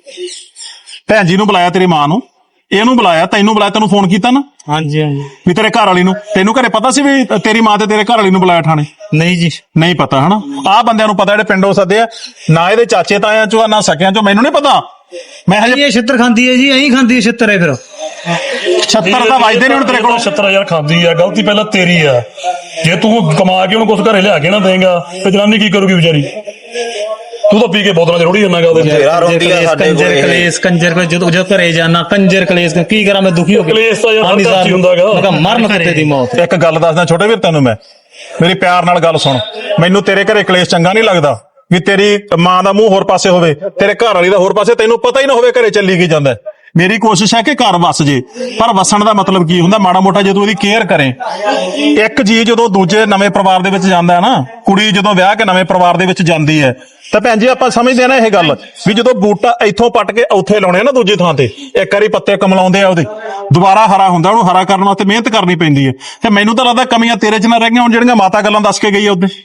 Speaker 1: ਭੈਣ ਜੀ ਨੂੰ ਬੁਲਾਇਆ, ਤੇਰੀ ਮਾਂ ਨੂੰ, ਇਹਨੂੰ ਬੁਲਾਇਆ, ਤੈਨੂੰ ਬੁਲਾਇਆ, ਤੈਨੂੰ ਫੋਨ ਕੀਤਾ ਨਾ
Speaker 6: ਹਾਂਜੀ ਹਾਂਜੀ
Speaker 1: ਵੀ ਤੇਰੇ ਘਰ ਵਾਲੀ ਨੂੰ, ਤੈਨੂੰ ਘਰੇ ਪਤਾ ਸੀ ਵੀ ਤੇਰੀ ਮਾਂ ਤੇ ਤੇਰੇ ਘਰ ਵਾਲੀ ਨੂੰ ਬੁਲਾਇਆ ਥਾਣੇ?
Speaker 6: ਨਹੀਂ ਜੀ
Speaker 1: ਨਹੀਂ ਪਤਾ ਹਨਾ। ਆਹ ਬੰਦਿਆਂ ਨੂੰ ਪਤਾ ਜਿਹੜੇ ਪਿੰਡੋਂ ਸੱਦੇ ਆ, ਨਾ ਇਹਦੇ ਚਾਚੇ ਤਾਇਆਂ ਚੋਂ ਨਾ ਸਕਿਆਂ ਚੋਂ, ਮੈਨੂੰ ਨਹੀਂ ਪਤਾ। ਮੈਂ ਹਜੇ
Speaker 6: ਇਹ ਛਿੱਤਰ ਖਾਂਦੀ ਹੈ ਜੀ, ਐਂ ਖਾਂਦੀ ਹੈ ਛਿੱਤਰ ਹੈ ਫਿਰ
Speaker 1: 76 ਤਾਂ ਵੱਜਦੇ ਨਹੀਂ ਹੁਣ ਤੇਰੇ ਕੋਲ।
Speaker 5: 76 ਯਾਰ ਖਾਂਦੀ ਆ, ਗਲਤੀ ਪਹਿਲਾਂ ਤੇਰੀ ਆ। ਜੇ ਤੂੰ ਕਮਾ ਕੇ ਉਹਨੂੰ ਕੁਝ ਘਰੇ ਲਿਆ ਕੇ ਨਾ ਦੇਂਗਾ ਤੇ ਜਨਾਨੀ ਕੀ ਕਰੂਗੀ ਵਿਚਾਰੀ? ਤੂੰ ਤਾਂ ਪੀ ਕੇ ਬੋਤਲਾਂ ਚ ਰੋੜੀ ਜਾਂਦਾ ਗਾ ਉਹਦੇ।
Speaker 7: ਤੇਰਾ ਰੋਂਦੀ ਆ ਸਾਡੇ ਕੋਲ
Speaker 6: ਕੰਜਰ ਕਲੇਸ਼ ਕੰਜਰ ਕਲੇਸ਼, ਜਦੋਂ ਘਰੇ ਜਾਣਾ ਕੰਜਰ ਕਲੇਸ਼, ਕੀ ਕਰਾਂ ਮੈਂ ਦੁਖੀ ਹੋ ਕੇ।
Speaker 5: ਕਲੇਸ਼ ਤਾਂ ਯਾਰ
Speaker 6: ਹਾਂਜੀ
Speaker 5: ਹਰ ਘਰ 'ਚ ਹੀ ਹੁੰਦਾ ਗਾ।
Speaker 6: ਮੈਂ ਕਿਹਾ ਮਰਨ ਕੁੱਤੇ ਦੀ ਮੌਤ।
Speaker 1: ਇੱਕ ਗੱਲ ਦੱਸਦਾ ਛੋਟੇ ਵੀਰ ਤੈਨੂੰ ਮੈਂ, ਮੇਰੀ ਪਿਆਰ ਨਾਲ ਗੱਲ ਸੁਣ। ਮੈਨੂੰ ਤੇਰੇ ਘਰੇ ਕਲੇਸ਼ ਚੰਗਾ ਨਹੀਂ ਲੱਗਦਾ ਵੀ ਤੇਰੀ ਮਾਂ ਦਾ ਮੂੰਹ ਹੋਰ ਪਾਸੇ ਹੋਵੇ, ਤੇਰੇ ਘਰ ਵਾਲੀ ਦਾ ਹੋਰ ਪਾਸੇ, ਤੈਨੂੰ ਪਤਾ ਹੀ ਨਾ ਹੋਵੇ ਘਰੇ ਚੱਲੀ ਕੀ ਜਾਂਦਾ। ਮੇਰੀ ਕੋਸ਼ਿਸ਼ ਹੈ ਕਿ ਘਰ ਵਸ ਜੇ, ਪਰ ਵਸਣ ਦਾ ਮਤਲਬ ਕੀ ਹੁੰਦਾ? ਮਾੜਾ ਮੋਟਾ ਜਦੋਂ ਉਹਦੀ ਕੇਅਰ ਕਰੇ। ਇੱਕ ਜੀ ਜਦੋਂ ਦੂਜੇ ਨਵੇਂ ਪਰਿਵਾਰ ਦੇ ਵਿੱਚ ਜਾਂਦਾ ਹੈ ਨਾ, ਕੁੜੀ ਜਦੋਂ ਵਿਆਹ ਕੇ ਨਵੇਂ ਪਰਿਵਾਰ ਦੇ ਵਿੱਚ ਜਾਂਦੀ ਹੈ, ਤਾਂ ਭੈਣ ਜੀ ਆਪਾਂ ਸਮਝਦੇ ਆ ਨਾ ਇਹ ਗੱਲ ਵੀ ਜਦੋਂ ਬੂਟਾ ਇੱਥੋਂ ਪੱਟ ਕੇ ਉੱਥੇ ਲਾਉਣੇ ਆ ਨਾ ਦੂਜੀ ਥਾਂ ਤੇ, ਇੱਕ ਵਾਰੀ ਪੱਤੇ ਕਮਲਾਉਂਦੇ ਆ ਉਹਦੇ, ਦੁਬਾਰਾ ਹਰਾ ਹੁੰਦਾ, ਉਹਨੂੰ ਹਰਾ ਕਰਨ ਵਾਸਤੇ ਮਿਹਨਤ ਕਰਨੀ ਪੈਂਦੀ ਹੈ। ਤੇ ਮੈਨੂੰ ਤਾਂ ਲੱਗਦਾ ਕਮੀਆਂ ਤੇਰੇ 'ਚ ਨਾ ਰਹਿ ਗਈਆਂ ਹੁਣ, ਜਿਹੜੀਆਂ ਮਾਤਾ ਗੱਲਾਂ ਦੱਸ ਕੇ ਗਈ ਆ ਉਹਦੇ।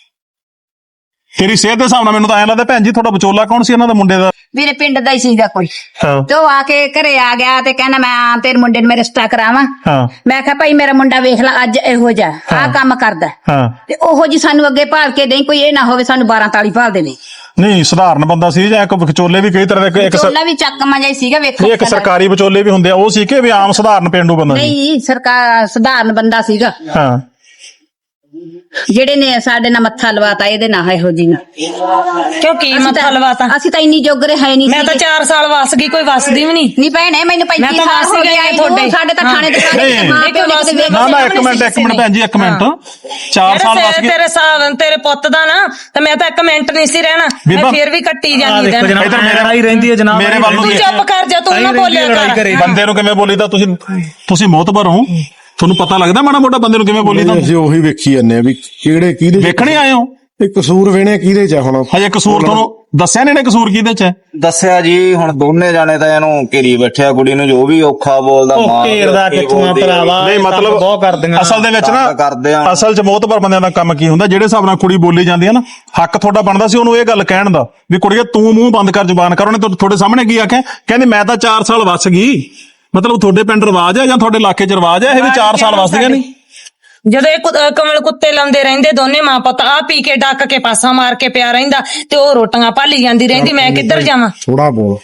Speaker 1: ਤੇਰੀ ਸਿਹਤ ਦੇ ਹਿਸਾਬ ਨਾਲ ਮੈਨੂੰ ਤਾਂ ਐਂ ਲੱਗਦਾ ਭੈਣ ਜੀ ਤੁਹਾਡਾ ਵਿਚੋਲਾ ਕੌਣ ਸੀ ਇਹਨਾਂ ਦਾ ਮੁੰਡੇ ਦਾ?
Speaker 2: ਮੇਰੇ ਪਿੰਡ ਦਾ ਹੀ ਸੀਗਾ ਕੋਈ।
Speaker 1: ਹਾਂ
Speaker 2: ਤੇ ਉਹ ਆ ਕੇ ਘਰੇ ਆ ਗਿਆ ਤੇ ਕਹਿੰਦਾ ਮੈਂ ਤੇਰੇ ਮੁੰਡੇ ਨੂੰ ਮੈਂ ਰਿਸ਼ਤਾ ਕਰਾਵਾਂ।
Speaker 1: ਹਾਂ
Speaker 2: ਮੈਂ ਕਿਹਾ ਭਾਈ ਮੇਰਾ ਮੁੰਡਾ ਵੇਖ ਲੈ ਅੱਜ ਇਹੋ ਜਿਹਾ ਆਹ ਕੰਮ ਕਰਦਾ,
Speaker 1: ਹਾਂ।
Speaker 2: ਤੇ ਉਹੋ ਜੀ ਸਾਨੂੰ ਅੱਗੇ ਭਾਲ ਕੇ ਨਹੀਂ, ਕੋਈ ਇਹ ਨਾ ਹੋਵੇ ਸਾਨੂੰ 12 ਤਾਲੀ ਭਾਲ ਦੇਵੇ।
Speaker 1: ਨਹੀਂ ਸਧਾਰਨ ਬੰਦਾ ਸੀ ਜਾਂ ਇੱਕ ਵਿਚੋਲੇ ਵੀ ਕਈ ਤਰ੍ਹਾਂ ਦੇ, ਇੱਕ
Speaker 2: ਚੋਲਾ ਵੀ ਚੱਕਮਾ ਜਿਹਾ ਹੀ ਸੀਗਾ, ਵੇਖੋ
Speaker 1: ਨਹੀਂ ਇੱਕ ਸਰਕਾਰੀ ਵਿਚੋਲੇ ਵੀ ਹੁੰਦੇ ਆ, ਉਹ ਸੀ ਕਿ ਵੀ ਆਮ ਸਧਾਰਨ ਪਿੰਡੂ ਬੰਦਾ ਸੀ?
Speaker 2: ਨਹੀਂ ਸਰਕਾਰ ਸਧਾਰਨ ਬੰਦਾ ਸੀਗਾ,
Speaker 1: ਹਾਂ
Speaker 2: ਜਿਹੜੇ ਨੇ ਸਾਡੇ ਨਾਲ ਮੱਥਾ ਲਵਾਤਾ ਇਹਦੇ ਨਾਲ ਇਹੋ ਜੀ ਨਾਲ।
Speaker 3: ਕਿਉਂ ਕੀ ਮੱਥਾ ਲਵਾਤਾ?
Speaker 2: ਅਸੀਂ ਤਾਂ ਇੰਨੀ ਜੋਗਰੇ ਹੈ ਨਹੀਂ।
Speaker 3: ਮੈਂ ਤਾਂ 4 ਸਾਲ ਵਸ ਗਈ, ਕੋਈ ਵਸਦੀ ਵੀ ਨਹੀਂ।
Speaker 2: ਨਹੀਂ ਭੈਣੇ ਮੈਨੂੰ 35
Speaker 3: ਮੈਂ ਤਾਂ
Speaker 2: ਸਾਲ
Speaker 3: ਵਸ
Speaker 2: ਹੋ
Speaker 3: ਗਈ
Speaker 2: ਗਏ
Speaker 3: ਤੁਹਾਡੇ।
Speaker 2: ਸਾਡੇ ਤਾਂ ਥਾਣੇ
Speaker 1: ਨਹੀਂ,
Speaker 2: ਦੇ ਮਾਂ ਪਿਓ ਨੇ ਕਿਤੇ ਵੇਖ
Speaker 1: ਨਾ ਨਾ ਇੱਕ ਮਿੰਟ ਭੈਣ ਜੀ, ਇੱਕ ਮਿੰਟ। 4 ਸਾਲ ਵਸ ਗਏ
Speaker 3: ਤੇਰੇ ਸਾਲ ਤੇਰੇ ਪੁੱਤ ਦਾ ਨਾ, ਤੇ ਮੈਂ ਤਾਂ 1 ਮਿੰਟ ਨਹੀਂ ਸੀ ਰਹਿਣਾ, ਮੈਂ
Speaker 1: ਬੀਬਾ,
Speaker 3: ਫੇਰ ਵੀ ਕੱਟੀ
Speaker 6: ਆਹ
Speaker 3: ਜਾਂਦੀ
Speaker 6: ਦੇਖੋ
Speaker 3: ਰਹਿਣਾ।
Speaker 6: ਜਨਾਬ, ਮੇਰਾ ਹੀ ਰਹਿੰਦੀ ਹੈ ਜਨਾਬ।
Speaker 1: ਮੇਰੇ ਵੱਲ ਨੂੰ
Speaker 3: ਤੂੰ ਚੁੱਪ ਕਰ ਜਾ, ਤੂੰ ਨਾ ਬੋਲਿਆ ਕਰ।
Speaker 1: ਬੰਦੇ ਨੂੰ ਕਿਵੇਂ ਬੋਲੀਦਾ? ਤੁਸੀਂ ਮੋਤਬਰ ਹੋ, ਤੁਹਾਨੂੰ ਪਤਾ ਲੱਗਦਾ ਮਾੜਾ ਮੋਟਾ ਬੰਦੇ ਨੂੰ ਕਿਵੇਂ ਬੋਲੀਦਾ?
Speaker 4: ਅਸੀਂ ਉਹੀ ਵੇਖੀ ਜਾਂਦੇ ਆ ਵੀ ਕਿਹੜੇ ਕਿਹਦੇ
Speaker 1: ਵੇਖਣੇ ਆਏ ਹੋ?
Speaker 4: ਇਹ ਕਸੂਰ ਵੇਣੇ ਕਿਹਦੇ ਚ ਆ ਹੁਣ?
Speaker 1: ਹਜੇ ਕਸੂਰ ਤੁਹਾਨੂੰ ਦੱਸਿਆ ਨਹੀਂ ਨੇ ਕਸੂਰ ਕਿਹਦੇ ਚ ਹੈ?
Speaker 7: ਦੱਸਿਆ ਜੀ, ਹੁਣ ਦੋਨੇ ਜਾਣੇ ਤਾਂ ਇਹਨੂੰ ਘੇਰੀ ਬੈਠਿਆ, ਕੁੜੀ ਨੂੰ ਜੋ ਵੀ ਔਖਾ ਬੋਲਦਾ,
Speaker 6: ਉਹ
Speaker 7: ਮਾਂ
Speaker 6: ਘੇਰਦਾ ਕਿੱਥੋਂ ਆ ਭਰਾਵਾ?
Speaker 1: ਨਹੀਂ ਮਤਲਬ
Speaker 6: ਬਹੁਤ ਕਰਦੀਆਂ
Speaker 1: ਅਸਲ ਦੇ ਵਿੱਚ
Speaker 7: ਕਰਦੇ ਆ।
Speaker 1: ਨਾ, ਅਸਲ 'ਚ ਮੋਤਬਰ ਬੰਦਿਆਂ ਦਾ ਕੰਮ ਕੀ ਹੁੰਦਾ? ਜਿਹੜੇ ਹਿਸਾਬ ਨਾਲ ਕੁੜੀ ਬੋਲੀ ਜਾਂਦੀ ਹੈ ਨਾ, ਹੱਕ ਤੁਹਾਡਾ ਬਣਦਾ ਸੀ ਉਹਨੂੰ ਇਹ ਗੱਲ ਕਹਿਣ ਦਾ ਵੀ ਕੁੜੀਏ ਤੂੰ ਮੂੰਹ ਬੰਦ ਕਰ, ਜ਼ੁਬਾਨ ਕਰ। ਉਹਨੇ ਤੁਹਾਡੇ ਸਾਹਮਣੇ ਕੀ ਆਖਿਆ? ਕਹਿੰਦੀ ਮੈਂ ਤਾਂ 4 ਸਾਲ ਵਸ ਗਈ। ਮਤਲਬ ਤੁਹਾਡੇ ਪਿੰਡ ਰਿਵਾਜ ਹੈ ਜਾਂ ਤੁਹਾਡੇ ਇਲਾਕੇ 'ਚ ਰਿਵਾਜ ਹੈ ਇਹ ਵੀ 4 ਸਾਲ ਵਸਦੀਆਂ ਨਹੀਂ?
Speaker 3: ਜਦੋਂ ਇਹ ਕਮਲ ਕੁੱਤੇ ਲਾਉਂਦੇ ਰਹਿੰਦੇ ਦੋਨੇ ਮਾਂ ਪੁੱਤ, ਆ ਪੀ ਕੇ ਡੱਕ ਕੇ ਪਾਸਾ ਮਾਰ ਕੇ ਪਿਆ ਰਹਿੰਦਾ, ਤੇ ਉਹ ਰੋਟੀਆਂ ਭਾਲੀ ਜਾਂਦੀ ਰਹਿੰਦੀ, ਮੈਂ ਕਿੱਧਰ ਜਾਵਾਂ?
Speaker 4: ਥੋੜਾ ਬੋਲ।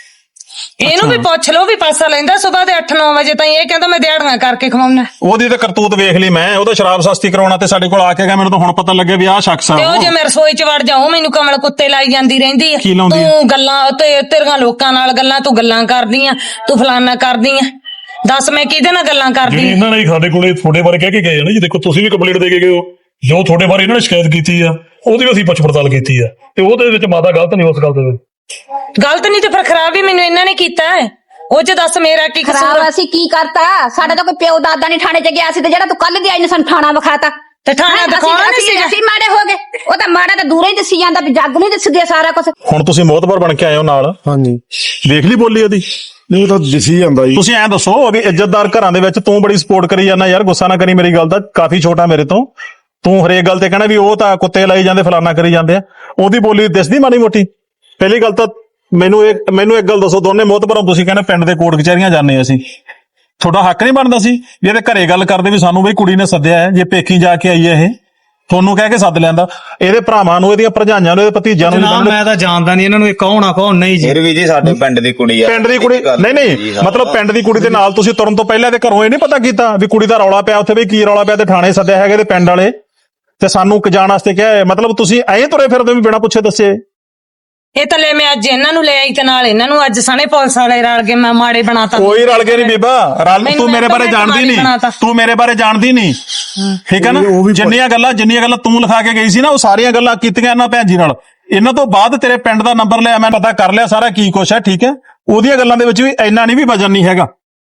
Speaker 3: ਇਹਨੂੰ ਵੀ ਪੁੱਛ ਲਓ ਵੀ ਪਾਸਾ ਲੈਂਦਾ ਸੁਬਾਹ ਦੇ 8-9 ਵਜੇ ਤਾਈਂ, ਇਹ ਕਹਿੰਦਾ ਮੈਂ ਦਿਹਾੜੀਆਂ ਕਰਕੇ ਖਵਾਉਣਾ।
Speaker 1: ਉਹਦੀ ਤਾਂ ਕਰਤੂਤ ਵੇਖ ਲਈ ਮੈਂ, ਉਹਦਾ ਸ਼ਰਾਬ ਸਸਤੀ ਕਰਾਉਣਾ ਤੇ ਸਾਡੇ ਕੋਲ ਆ ਕੇ ਗਿਆ, ਮੈਨੂੰ ਤਾਂ ਹੁਣ ਪਤਾ ਲੱਗਿਆ ਵੀ ਆਹ ਸ਼ਖਸ ਆ
Speaker 3: ਤੇ ਉਹ
Speaker 1: ਉਹ।
Speaker 3: ਜੇ ਮੈਂ ਰਸੋਈ 'ਚ ਵੜ ਜਾਉ ਮੈਨੂੰ ਕਮਲ ਕੁੱਤੇ ਲਾਈ ਜਾਂਦੀ ਰਹਿੰਦੀ ਆ।
Speaker 1: ਕੀ ਲਾਉਂਦੀ ਆ?
Speaker 3: ਤੂੰ ਗੱਲਾਂ ਤੇ ਤੇਰੀਆਂ ਲੋਕਾਂ ਨਾਲ ਗੱਲਾਂ, ਤੂੰ ਗੱਲਾਂ ਕਰਦੀ ਆ, ਤੂੰ ਫਲਾਨਾ ਕਰਦੀ ਆ। ਦੱਸ ਮੈਂ ਕਿਹਦੇ ਨਾਲ ਗੱਲਾਂ ਕਰਦੀ
Speaker 5: ਜਿਹੜੀ
Speaker 3: ਆ?
Speaker 5: ਇਹਨਾਂ ਨੇ ਸਾਡੇ ਕੋਲੇ ਤੁਹਾਡੇ ਬਾਰੇ ਕਹਿ ਕੇ ਗਏ ਆ ਨਾ ਜੀ, ਦੇਖੋ ਤੁਸੀਂ ਵੀ ਕੰਪਲੀਟ ਦੇ ਕੇ ਗਏ ਹੋ, ਜੋ ਤੁਹਾਡੇ ਬਾਰੇ ਇਹਨਾਂ ਨੇ ਸ਼ਿਕਾਇਤ ਕੀਤੀ ਆ ਉਹਦੀ ਵੀ ਅਸੀਂ ਪੁੱਛ ਪੜਤਾਲ ਕੀਤੀ ਆ, ਤੇ ਉਹਦੇ ਵਿੱਚ ਮਾਤਾ ਗਲਤ ਨਹੀਂ ਉਸ ਗੱਲ ਦੇ ਵਿੱਚ।
Speaker 3: ਗਲਤ ਨਹੀਂ ਤੇ ਫਿਰ ਖਰਾਬ ਵੀ ਮੈਨੂੰ ਇਹਨਾਂ ਨੇ ਕੀਤਾ ਹੈ। ਉਹ 'ਚ ਦੱਸ ਮੇਰਾ ਕੀ ਕਸੂਰ
Speaker 2: ਖਰਾਬ
Speaker 3: ਆ?
Speaker 2: ਅਸੀਂ ਕੀ ਕਰਤਾ? ਸਾਡਾ ਤਾਂ ਕੋਈ ਪਿਓ ਦਾਦਾ ਨਹੀਂ ਥਾਣੇ 'ਚ ਗਿਆ ਸੀ, ਤੇ ਜਿਹੜਾ ਤੂੰ ਕੱਲ ਦੀ ਆਈ ਨੇ ਸਾਨੂੰ ਥਾਣਾ ਵਿਖਾਤਾ।
Speaker 3: ਤੇ ਥਾਣਾ ਦਿਖਾਉਣਾ ਨਹੀਂ ਸੀਗਾ?
Speaker 2: ਅਸੀਂ ਮਾੜੇ ਹੋ ਗਏ। ਉਹ ਤਾਂ ਮਾੜਾ ਤਾਂ ਦੂਰੋਂ ਹੀ ਦਿਸੀ ਜਾਂਦਾ ਵੀ ਜੱਗ ਨੂੰ ਦਿਸ ਗਿਆ ਸਾਰਾ ਕੁਝ।
Speaker 1: ਹੁਣ ਤੁਸੀਂ ਮੋਤਬਰ ਬਣ ਕੇ ਆਏ ਹੋ ਨਾਲ,
Speaker 4: ਹਾਂਜੀ,
Speaker 1: ਵੇਖ ਲਈ ਬੋਲੀ ਉਹਦੀ?
Speaker 4: ਨਹੀਂ ਉਹ ਤਾਂ ਦਿਸੀ ਜਾਂਦਾ ਜੀ।
Speaker 1: ਤੁਸੀਂ ਐਂ ਦੱਸੋ ਵੀ ਇੱਜ਼ਤਦਾਰ ਘਰਾਂ ਦੇ ਵਿੱਚ ਤੂੰ ਬੜੀ ਸਪੋਰਟ ਕਰੀ ਜਾਂਦਾ ਯਾਰ, ਗੁੱਸਾ ਨਾ ਕਰੀ ਮੇਰੀ ਗੱਲ ਦਾ, ਕਾਫੀ ਛੋਟਾ ਮੇਰੇ ਤੋਂ, ਤੂੰ ਹਰੇਕ ਗੱਲ ਤੇ ਕਹਿਣਾ ਵੀ ਉਹ ਤਾਂ ਕੁੱਤੇ ਲਾਈ ਜਾਂਦੇ, ਫਲਾਨਾ ਕਰੀ ਜਾਂਦੇ ਆ। ਉਹਦੀ ਬੋਲੀ ਦਿਸਦੀ ਮਾੜੀ ਮੋਟੀ? ਪਹਿਲੀ ਗੱਲ ਤਾਂ ਮੈਨੂੰ ਇੱਕ ਗੱਲ ਦੱਸੋ, ਦੋਨੇ ਮੋਤਬਰੋਂ ਤੁਸੀਂ ਕਹਿੰਦੇ ਪਿੰਡ ਦੇ ਕੋਰਟ ਕਚਹਿਰੀਆਂ ਜਾਂਦੇ ਅਸੀਂ, ਤੁਹਾਡਾ ਹੱਕ ਨਹੀਂ ਬਣਦਾ ਸੀ ਵੀ ਇਹਦੇ ਘਰੇ ਗੱਲ ਕਰਦੇ ਵੀ ਸਾਨੂੰ ਬਈ ਕੁੜੀ ਨੇ ਸੱਦਿਆ ਹੈ, ਜੇ ਪੇਕੀ ਜਾ ਕੇ ਆਈ ਹੈ ਇਹ ਤੁਹਾਨੂੰ ਕਹਿ ਕੇ ਸੱਦ ਲੈਂਦਾ, ਇਹਦੇ ਭਰਾਵਾਂ ਨੂੰ, ਇਹਦੀਆਂ ਭਰਜਾਈਆਂ ਨੂੰ, ਇਹਦੇ ਭਤੀਜਿਆਂ ਨੂੰ?
Speaker 6: ਜਨਾਬ ਮੈਂ ਤਾਂ ਜਾਣਦਾ ਨਹੀਂ ਇਹਨਾਂ ਨੂੰ, ਇਹ ਕੌਣ ਆ ਕੌਣ ਨਹੀਂ ਜੀ।
Speaker 7: ਫਿਰ ਵੀ ਜੀ ਸਾਡੇ ਪਿੰਡ ਦੀ ਕੁੜੀ ਆ।
Speaker 1: ਪਿੰਡ ਦੀ ਕੁੜੀ ਨਹੀਂ ਮਤਲਬ ਪਿੰਡ ਦੀ ਕੁੜੀ ਦੇ ਨਾਲ ਤੁਸੀਂ ਤੁਰਨ ਤੋਂ ਪਹਿਲਾਂ ਤੇ ਘਰੋਂ ਇਹ ਨਹੀਂ ਪਤਾ ਕੀਤਾ ਵੀ ਕੁੜੀ ਦਾ ਰੌਲਾ ਪਿਆ ਉੱਥੇ, ਵੀ ਕੀ ਰੌਲਾ ਪਿਆ, ਤੇ ਥਾਣੇ ਸੱਦਿਆ ਹੈਗੇ ਤੇ ਪਿੰਡ ਵਾਲੇ ਤੇ ਸਾਨੂੰ ਜਾਣ ਵਾਸਤੇ ਕਿਹਾ? ਮਤਲਬ ਤੁਸੀਂ ਐਂ ਤੁਰੇ ਫਿਰਦੇ ਵੀ ਬਿਨਾਂ ਪੁੱਛੇ ਦੱਸੇ?
Speaker 3: ਇਹ ਤਾਂ ਲੈ ਮੈਂ ਅੱਜ ਇਹਨਾਂ ਨੂੰ ਲੈ ਆਈ ਤੇ ਨਾਲ ਇਹਨਾਂ ਨੂੰ ਅੱਜ ਸਣੇ ਪੁਲਿਸ ਵਾਲੇ ਰਲ ਕੇ ਮੈਂ ਮਾੜੇ ਬਣਾਤਾ।
Speaker 1: ਕੋਈ ਰਲ ਕੇ ਨਹੀਂ ਬੀਬਾ, ਰਲ ਤੂੰ ਮੇਰੇ ਬਾਰੇ ਜਾਣਦੀ ਨਹੀਂ, ਤੂੰ ਮੇਰੇ ਬਾਰੇ ਜਾਣਦੀ ਨਹੀਂ, ਠੀਕ ਹੈ ਨਾ? ਜਿੰਨੀਆਂ ਗੱਲਾਂ ਤੂੰ ਲਿਖਾ ਕੇ ਗਈ ਸੀ ਨਾ, ਉਹ ਸਾਰੀਆਂ ਗੱਲਾਂ ਕੀਤੀਆਂ ਇਹਨਾਂ ਭੈਣ ਜੀ ਨਾਲ। ਇਹਨਾਂ ਤੋਂ ਬਾਅਦ ਤੇਰੇ ਪਿੰਡ ਦਾ ਨੰਬਰ ਲਿਆ, ਮੈਂ ਪਤਾ ਕਰ ਲਿਆ ਸਾਰਾ ਕੀ ਕੁਛ ਹੈ, ਠੀਕ ਹੈ? ਉਹਦੀਆਂ ਗੱਲਾਂ ਦੇ ਵਿੱਚ ਵੀ ਇੰਨਾ ਨਹੀਂ ਵੀ ਵਜਨ ਨਹੀਂ ਹੈਗਾ।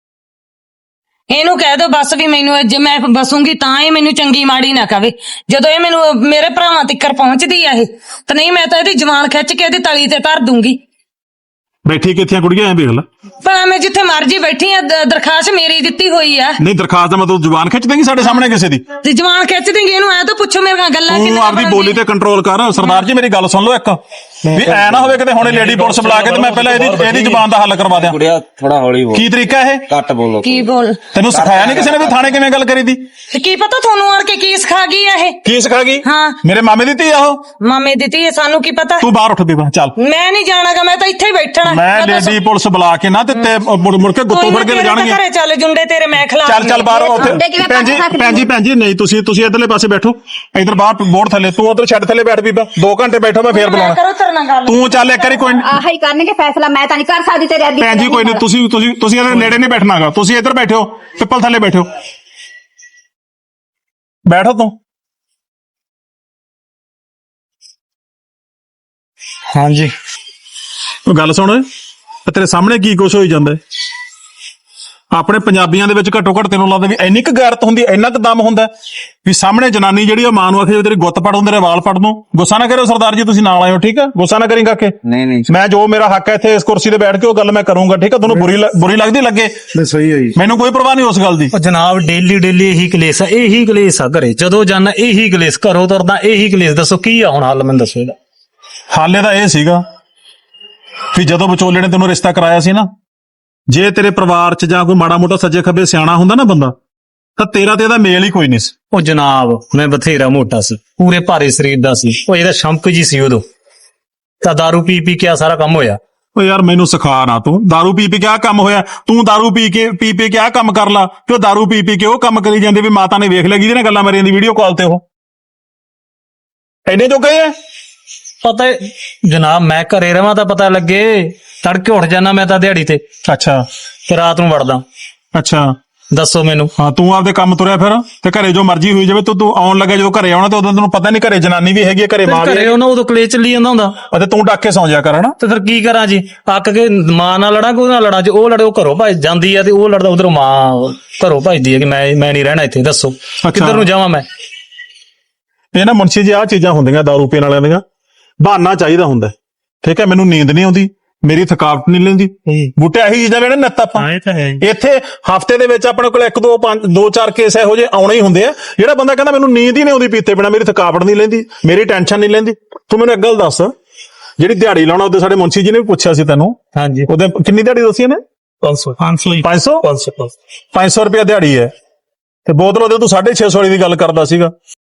Speaker 3: ਇਹਨੂੰ ਕਹਿ ਦੋ ਬਸ ਵੀ ਮੈਨੂੰ ਜੇ ਮੈਂ ਬਸੂੰਗੀ ਤਾਂ ਇਹ ਮੈਨੂੰ ਚੰਗੀ ਮਾੜੀ ਨਾ ਕਵੇ, ਜਦੋਂ ਇਹ ਮੈਨੂੰ ਮੇਰੇ ਭਰਾਵਾਂ ਤੱਕ ਪਹੁੰਚਦੀ ਆ ਇਹ, ਤੇ ਨਹੀਂ ਮੈਂ ਤਾਂ ਇਹਦੀ ਜਵਾਨ ਖਿੱਚ ਕੇ ਇਹਦੀ ਤਲੀ ਤੇ ਧਰ ਦੂੰਗੀ।
Speaker 1: ਬੈਠੀ ਕਿੱਥੇ ਆ ਕੁੜੀਆਂ ਐ ਵੇਖ ਲੈ।
Speaker 3: ਭਲਾ ਮੈਂ ਜਿੱਥੇ ਮਰਜੀ ਬੈਠੀ ਆ ਦਰਖਾਸਤ ਮੇਰੀ ਦਿੱਤੀ ਹੋਈ ਆ।
Speaker 1: ਨਹੀਂ ਦਰਖਾਸਤ ਦਾ ਮਤਲਬ ਜ਼ੁਬਾਨ ਖਿੱਚ ਦੇਂਗੀ ਸਾਡੇ ਸਾਹਮਣੇ ਕਿਸੇ ਦੀ?
Speaker 3: ਤੇ ਜਵਾਨ ਖਿੱਚ ਦੇਂਗੇ ਇਹਨੂੰ ਐ ਤਾਂ ਪੁੱਛੋ ਮੇਰੇ ਨਾਲ ਗੱਲਾਂ
Speaker 1: ਤੂੰ ਆਪਦੀ ਬੋਲੀ ਤੇ ਕੰਟਰੋਲ ਕਰ। ਸਰਦਾਰ ਜੀ ਮੇਰੀ ਗੱਲ ਸੁਣ ਲਓ ਇੱਕ, ਵੀ ਐ ਨਾ ਹੋਵੇ ਕਿਤੇ ਹੁਣੇ ਲੇਡੀ ਪੁਲਿਸ ਬੁਲਾ ਕੇ ਤੇ ਮੈਂ ਪਹਿਲਾਂ ਇਹਦੀ ਜ਼ੁਬਾਨ ਦਾ ਹੱਲ ਕਰਵਾ ਦਿਆਂ।
Speaker 7: ਕੁੜੀਆ ਥੋੜਾ ਹੌਲੀ ਬੋਲ।
Speaker 1: ਕੀ ਤਰੀਕਾ ਇਹ?
Speaker 7: ਘੱਟ ਬੋਲੋ।
Speaker 3: ਕੀ ਬੋਲ
Speaker 1: ਤੈਨੂੰ ਸਿਖਾਇਆ ਨਹੀਂ ਕਿਸੇ ਨੇ ਵੀ ਥਾਣੇ ਕਿਵੇਂ ਗੱਲ ਕਰੀਦੀ?
Speaker 3: ਤੇ ਕੀ ਪਤਾ ਤੁਹਾਨੂੰ ਆਣ ਕੇ ਕੀ ਸਿਖਾ ਗਈ ਆ ਇਹ?
Speaker 1: ਕੀ ਸਿਖਾ ਗਈ?
Speaker 3: ਹਾਂ।
Speaker 1: ਮੇਰੇ ਮਾਮੇ ਦੀ ਧੀ ਆ ਉਹ।
Speaker 3: ਮਾਮੇ ਦਿੱਤੀ ਹੈ ਸਾਨੂੰ ਕੀ ਪਤਾ।
Speaker 1: ਤੂੰ ਬਾਹਰ ਉੱਠ ਬੀਬਾ ਚੱਲ।
Speaker 3: ਮੈਂ ਨਹੀਂ ਜਾਣਾਗਾ, ਮੈਂ ਤਾਂ ਇੱਥੇ ਹੀ ਬੈਠਣਾ।
Speaker 1: ਮੈਂ ਲੇਡੀ ਪੁਲਿਸ ਬੁਲਾ ਕੇ ਨਾ ਤੇ ਮੁੜ ਕੇ ਗੁੱਤੋਂ ਫੜ ਕੇ ਲੈ ਜਾਣਗੇ।
Speaker 3: ਘਰੇ ਚੱਲ ਜੁੰਡੇ ਤੇਰੇ ਮੈਂ ਖਿਲਾ
Speaker 1: ਚੱਲ ਬਾਹਰ ਉੱਥੇ।
Speaker 2: ਮੁੰਡੇ ਕਿਵੇਂ
Speaker 1: ਭੈਣ ਜੀ ਭੈਣ ਜੀ ਨਹੀਂ ਤੁਸੀਂ ਇਧਰਲੇ ਪਾਸੇ ਬੈਠੋ, ਇਧਰ ਬਾਹਰ ਬੋਰਡ ਥੱਲੇ, ਤੂੰ ਉਧਰ ਛੱਡ ਥੱਲੇ ਬੈਠ ਬੀਬਾ। 2 ਘੰਟੇ ਬੈਠੋ, ਮੈਂ ਫੇਰ ਬੁਲਾਉਣਾ।
Speaker 3: ਕਰੋ ਤੇਰੇ ਨਾਲ ਗੱਲ।
Speaker 1: ਤੂੰ ਚੱਲ ਇੱਕ ਵਾਰੀ ਕੋਈ
Speaker 2: ਆਹ ਹੀ ਕਰਨਗੇ ਫੈਸਲਾ, ਮੈਂ ਤਾਂ ਨਹੀਂ ਕਰ ਸਕਦੀ ਤੇਰੇ ਅੱਗੇ।
Speaker 1: ਭੈਣ ਜੀ ਕੋਈ ਨਹੀਂ, ਤੁਸੀਂ ਇਹਦੇ ਨੇੜੇ ਨਹੀਂ ਬੈਠਣਾਗਾ। ਤੁਸੀਂ ਇੱਧਰ ਬੈਠੋ, ਪਿੱਪਲ ਥੱਲੇ ਬੈਠੋ। ਬੈਠੋ ਤੂੰ।
Speaker 6: ਹਾਂਜੀ
Speaker 1: ਉਹ ਗੱਲ ਸੁਣ, ਤੇਰੇ ਸਾਹਮਣੇ ਕੀ ਕੁਛ ਹੋਈ ਜਾਂਦਾ ਹੈ। ਆਪਣੇ ਪੰਜਾਬੀਆਂ ਦੇ ਵਿੱਚ ਘੱਟੋ ਘੱਟ ਤੈਨੂੰ ਲੱਗਦਾ ਵੀ ਇੰਨੀ ਕੁ ਗੈਰਤ ਹੁੰਦੀ, ਇੰਨਾ ਕੁ ਦਮ ਹੁੰਦਾ ਵੀ ਸਾਹਮਣੇ ਜਨਾਨੀ ਜਿਹੜੀ ਉਹ ਮਾਂ ਨੂੰ ਆਖੇ ਤੇਰੀ ਗੁੱਤ ਪੜ ਤੇਰੇ ਵਾਲ ਪੜ ਦੂੰ। ਗੁੱਸਾ ਨਾ ਕਰਿਓ ਸਰਦਾਰ ਜੀ, ਤੁਸੀਂ ਨਾਲ ਆਇਓ ਠੀਕ ਹੈ? ਗੁੱਸਾ ਨਾ ਕਰੀਂ ਕਾਕੇ।
Speaker 7: ਨਹੀਂ
Speaker 1: ਮੈਂ ਜੋ ਮੇਰਾ ਹੱਕ ਹੈ ਇੱਥੇ ਇਸ ਕੁਰਸੀ ਤੇ ਬੈਠ ਕੇ ਉਹ ਗੱਲ ਮੈਂ ਕਰੂੰਗਾ ਠੀਕ ਹੈ? ਤੁਹਾਨੂੰ ਬੁਰੀ ਲੱਗਦੀ ਲੱਗੇ,
Speaker 4: ਨਹੀਂ ਸਹੀ ਹੈ ਜੀ।
Speaker 1: ਮੈਨੂੰ ਕੋਈ ਪਰਵਾਹ ਨਹੀਂ ਉਸ ਗੱਲ ਦੀ।
Speaker 6: ਉਹ ਜਨਾਬ ਡੇਲੀ ਇਹੀ ਕਲੇਸ਼ ਆ, ਇਹੀ ਕਲੇਸ਼ ਆ ਘਰੇ। ਜਦੋਂ ਜਾਣਾ ਇਹੀ ਕਲੇਸ਼, ਘਰੋਂ ਤੁਰਦਾ ਇਹੀ ਕਲੇਸ਼। ਦੱਸੋ ਕੀ ਆ ਹੁਣ ਹੱਲ, ਮੈਨੂੰ ਦੱਸੋ ਇਹਦਾ।
Speaker 1: ਹਾਲੇ ਤਾਂ ਇਹ ਸੀਗਾ ਵੀ ਜਦੋਂ ਵਿਚੋਲੇ ਨੇ ਤੈਨੂੰ ਰਿਸ਼ਤਾ ਕਰਾਇਆ ਸੀ ਨਾ, ਜੇ ਤੇਰੇ ਪਰਿਵਾਰ 'ਚ ਜਾਂ ਕੋਈ ਮਾੜਾ ਮੋਟਾ ਸੱਜੇ ਖੱਬੇ ਸਿਆਣਾ ਹੁੰਦਾ ਨਾ ਬੰਦਾ, ਤਾਂ ਤੇਰਾ ਤੇ ਇਹਦਾ ਮੇਲ ਹੀ ਕੋਈ ਨਹੀਂ ਸੀ।
Speaker 6: ਉਹ ਜਨਾਬ ਮੈਂ ਬਥੇਰਾ ਮੋਟਾ ਸੀ, ਪੂਰੇ ਭਾਰੇ ਸਰੀਰ ਦਾ ਸੀ। ਉਹ ਇਹਦਾ ਸ਼ੰਕ ਜੀ ਸੀ ਉਦੋਂ, ਤਾਂ ਦਾਰੂ ਪੀ ਕੇ ਆ ਸਾਰਾ ਕੰਮ ਹੋਇਆ।
Speaker 1: ਓ ਯਾਰ ਮੈਨੂੰ ਸਿਖਾ ਨਾ ਤੂੰ, ਦਾਰੂ ਪੀ ਕੇ ਆਹ ਕੰਮ ਹੋਇਆ। ਤੂੰ ਦਾਰੂ ਪੀ ਕੇ ਆਹ ਕੰਮ ਕਰ ਲਾ, ਤੇ ਉਹ ਦਾਰੂ ਪੀ ਕੇ ਉਹ ਕੰਮ ਕਰੀ ਜਾਂਦੇ ਵੀ ਮਾਤਾ ਨੇ ਵੇਖ ਲਿਆ ਜਿਹਦੇ ਨਾਲ ਗੱਲਾਂ ਮਾਰੀਆਂ ਦੀ ਵੀਡੀਓ ਕਾਲ ਤੇ। ਉਹ ਐਨੇ ਜੋ ਗਏ ਆ।
Speaker 6: ਪਤਾ ਜਨਾਬ ਮੈਂ ਘਰੇ ਰਵਾਂ ਤਾਂ ਪਤਾ ਲੱਗੇ। ਤੜਕੇ ਉੱਠ ਜਾਣਾ ਮੈਂ ਤਾਂ ਦਿਹਾੜੀ ਤੇ,
Speaker 1: ਅੱਛਾ
Speaker 6: ਤੇ ਰਾਤ ਨੂੰ ਵੜਦਾ।
Speaker 1: ਅੱਛਾ
Speaker 6: ਦੱਸੋ ਮੈਨੂੰ।
Speaker 1: ਹਾਂ ਤੂੰ ਆਪਦੇ ਕੰਮ ਤੁਰਿਆ ਫਿਰ, ਤੇ ਘਰੇ ਜੋ ਮਰਜ਼ੀ ਹੋਈ ਜਾਵੇ। ਤੂੰ ਆਉਣ ਲੱਗਾ ਜਦੋਂ ਘਰੇ ਆਉਣਾ ਤੇ ਉਦੋਂ ਤੈਨੂੰ ਪਤਾ ਨਹੀਂ ਘਰੇ ਜਨਾਨੀ ਵੀ ਹੈਗੀ ਹੈ, ਘਰੇ ਮਾਂ ਵੀ
Speaker 6: ਘਰੇ
Speaker 1: ਹੈਗੀ।
Speaker 6: ਉਹਨਾਂ ਉਦੋਂ ਕਲੇਸ਼ ਚੱਲੀ ਜਾਂਦਾ ਹੁੰਦਾ।
Speaker 1: ਅਤੇ ਤੂੰ ਡੱਕ ਕੇ ਸੌਂ ਜਾ ਕਰ ਹਨਾ।
Speaker 6: ਤੇ ਫਿਰ ਕੀ ਕਰਾਂ ਜੀ? ਅੱਕ ਕੇ ਮਾਂ ਨਾਲ ਲੜਾਂ ਕਿ ਉਹਦੇ ਨਾਲ ਲੜਾਂ? ਜੇ ਉਹ ਲੜੇ ਉਹ ਘਰੋਂ ਭੱਜ ਜਾਂਦੀ ਆ, ਤੇ ਉਹ ਲੜਦਾ ਉਧਰੋਂ ਮਾਂ ਘਰੋਂ ਭੱਜਦੀ ਹੈ ਕਿ ਮੈਂ ਨਹੀਂ ਰਹਿਣਾ ਇੱਥੇ। ਦੱਸੋ ਕਿੱਧਰ ਨੂੰ ਜਾਵਾਂ ਮੈਂ?
Speaker 1: ਇਹ ਨਾ ਮੁਨਸ਼ੀ ਜੀ ਆਹ ਚੀਜ਼ਾਂ ਹੁੰਦੀਆਂ ਦਾਰੂ ਪੀਣ ਵਾਲਿਆਂ ਦੀਆਂ, ਬਹਾਨਾ ਚਾਹੀਦਾ ਹੁੰਦਾ ਠੀਕ ਹੈ? ਮੈਨੂੰ ਨੀਂਦ ਨਹੀਂ ਆਉਂਦੀ, ਮੇਰੀ ਥਕਾਵਟ ਨਹੀਂ ਲੈਂਦੀ, ਬੂਟੇ ਆਹੀ ਚੀਜ਼ਾਂ ਵੇਣੇ ਨੱਤ ਆਪਾਂ।
Speaker 6: ਇਹ ਤਾਂ ਹੈ।
Speaker 1: ਇੱਥੇ ਹਫਤੇ ਦੇ ਵਿੱਚ ਆਪਣੇ ਕੋਲ 1-2-5-2-4 ਕੇਸ ਇਹੋ ਜਿਹੇ ਆਉਣੇ ਹੀ ਹੁੰਦੇ ਆ ਜਿਹੜਾ ਬੰਦਾ ਕਹਿੰਦਾ ਮੈਨੂੰ ਨੀਂਦ ਹੀ ਨਹੀਂ ਆਉਂਦੀ ਪੀਤੇ ਬਿਨਾ, ਮੇਰੀ ਥਕਾਵਟ ਨਹੀਂ ਲੈਂਦੀ, ਮੇਰੀ ਟੈਨਸ਼ਨ ਨਹੀਂ ਲੈਂਦੀ। ਤੂੰ ਮੈਨੂੰ ਇੱਕ ਗੱਲ ਦੱਸ, ਜਿਹੜੀ ਦਿਹਾੜੀ ਲਾਉਣਾ ਉਹਦੇ ਸਾਡੇ ਮੁਨਸ਼ੀ ਜੀ ਨੇ ਵੀ ਪੁੱਛਿਆ ਸੀ ਤੈਨੂੰ,
Speaker 6: ਹਾਂਜੀ
Speaker 1: ਉਹਦੇ ਕਿੰਨੀ ਦਿਹਾੜੀ ਦੱਸੀ ਇਹਨੇ? 500 ਰੁਪਇਆ ਦਿਹਾੜੀ ਹੈ, ਤੇ ਬੋਤਲ ਉਹਦੇ ਤੂੰ 650 ਵਾਲੀ ਦੀ ਗੱਲ ਕਰਦਾ ਸੀਗਾ।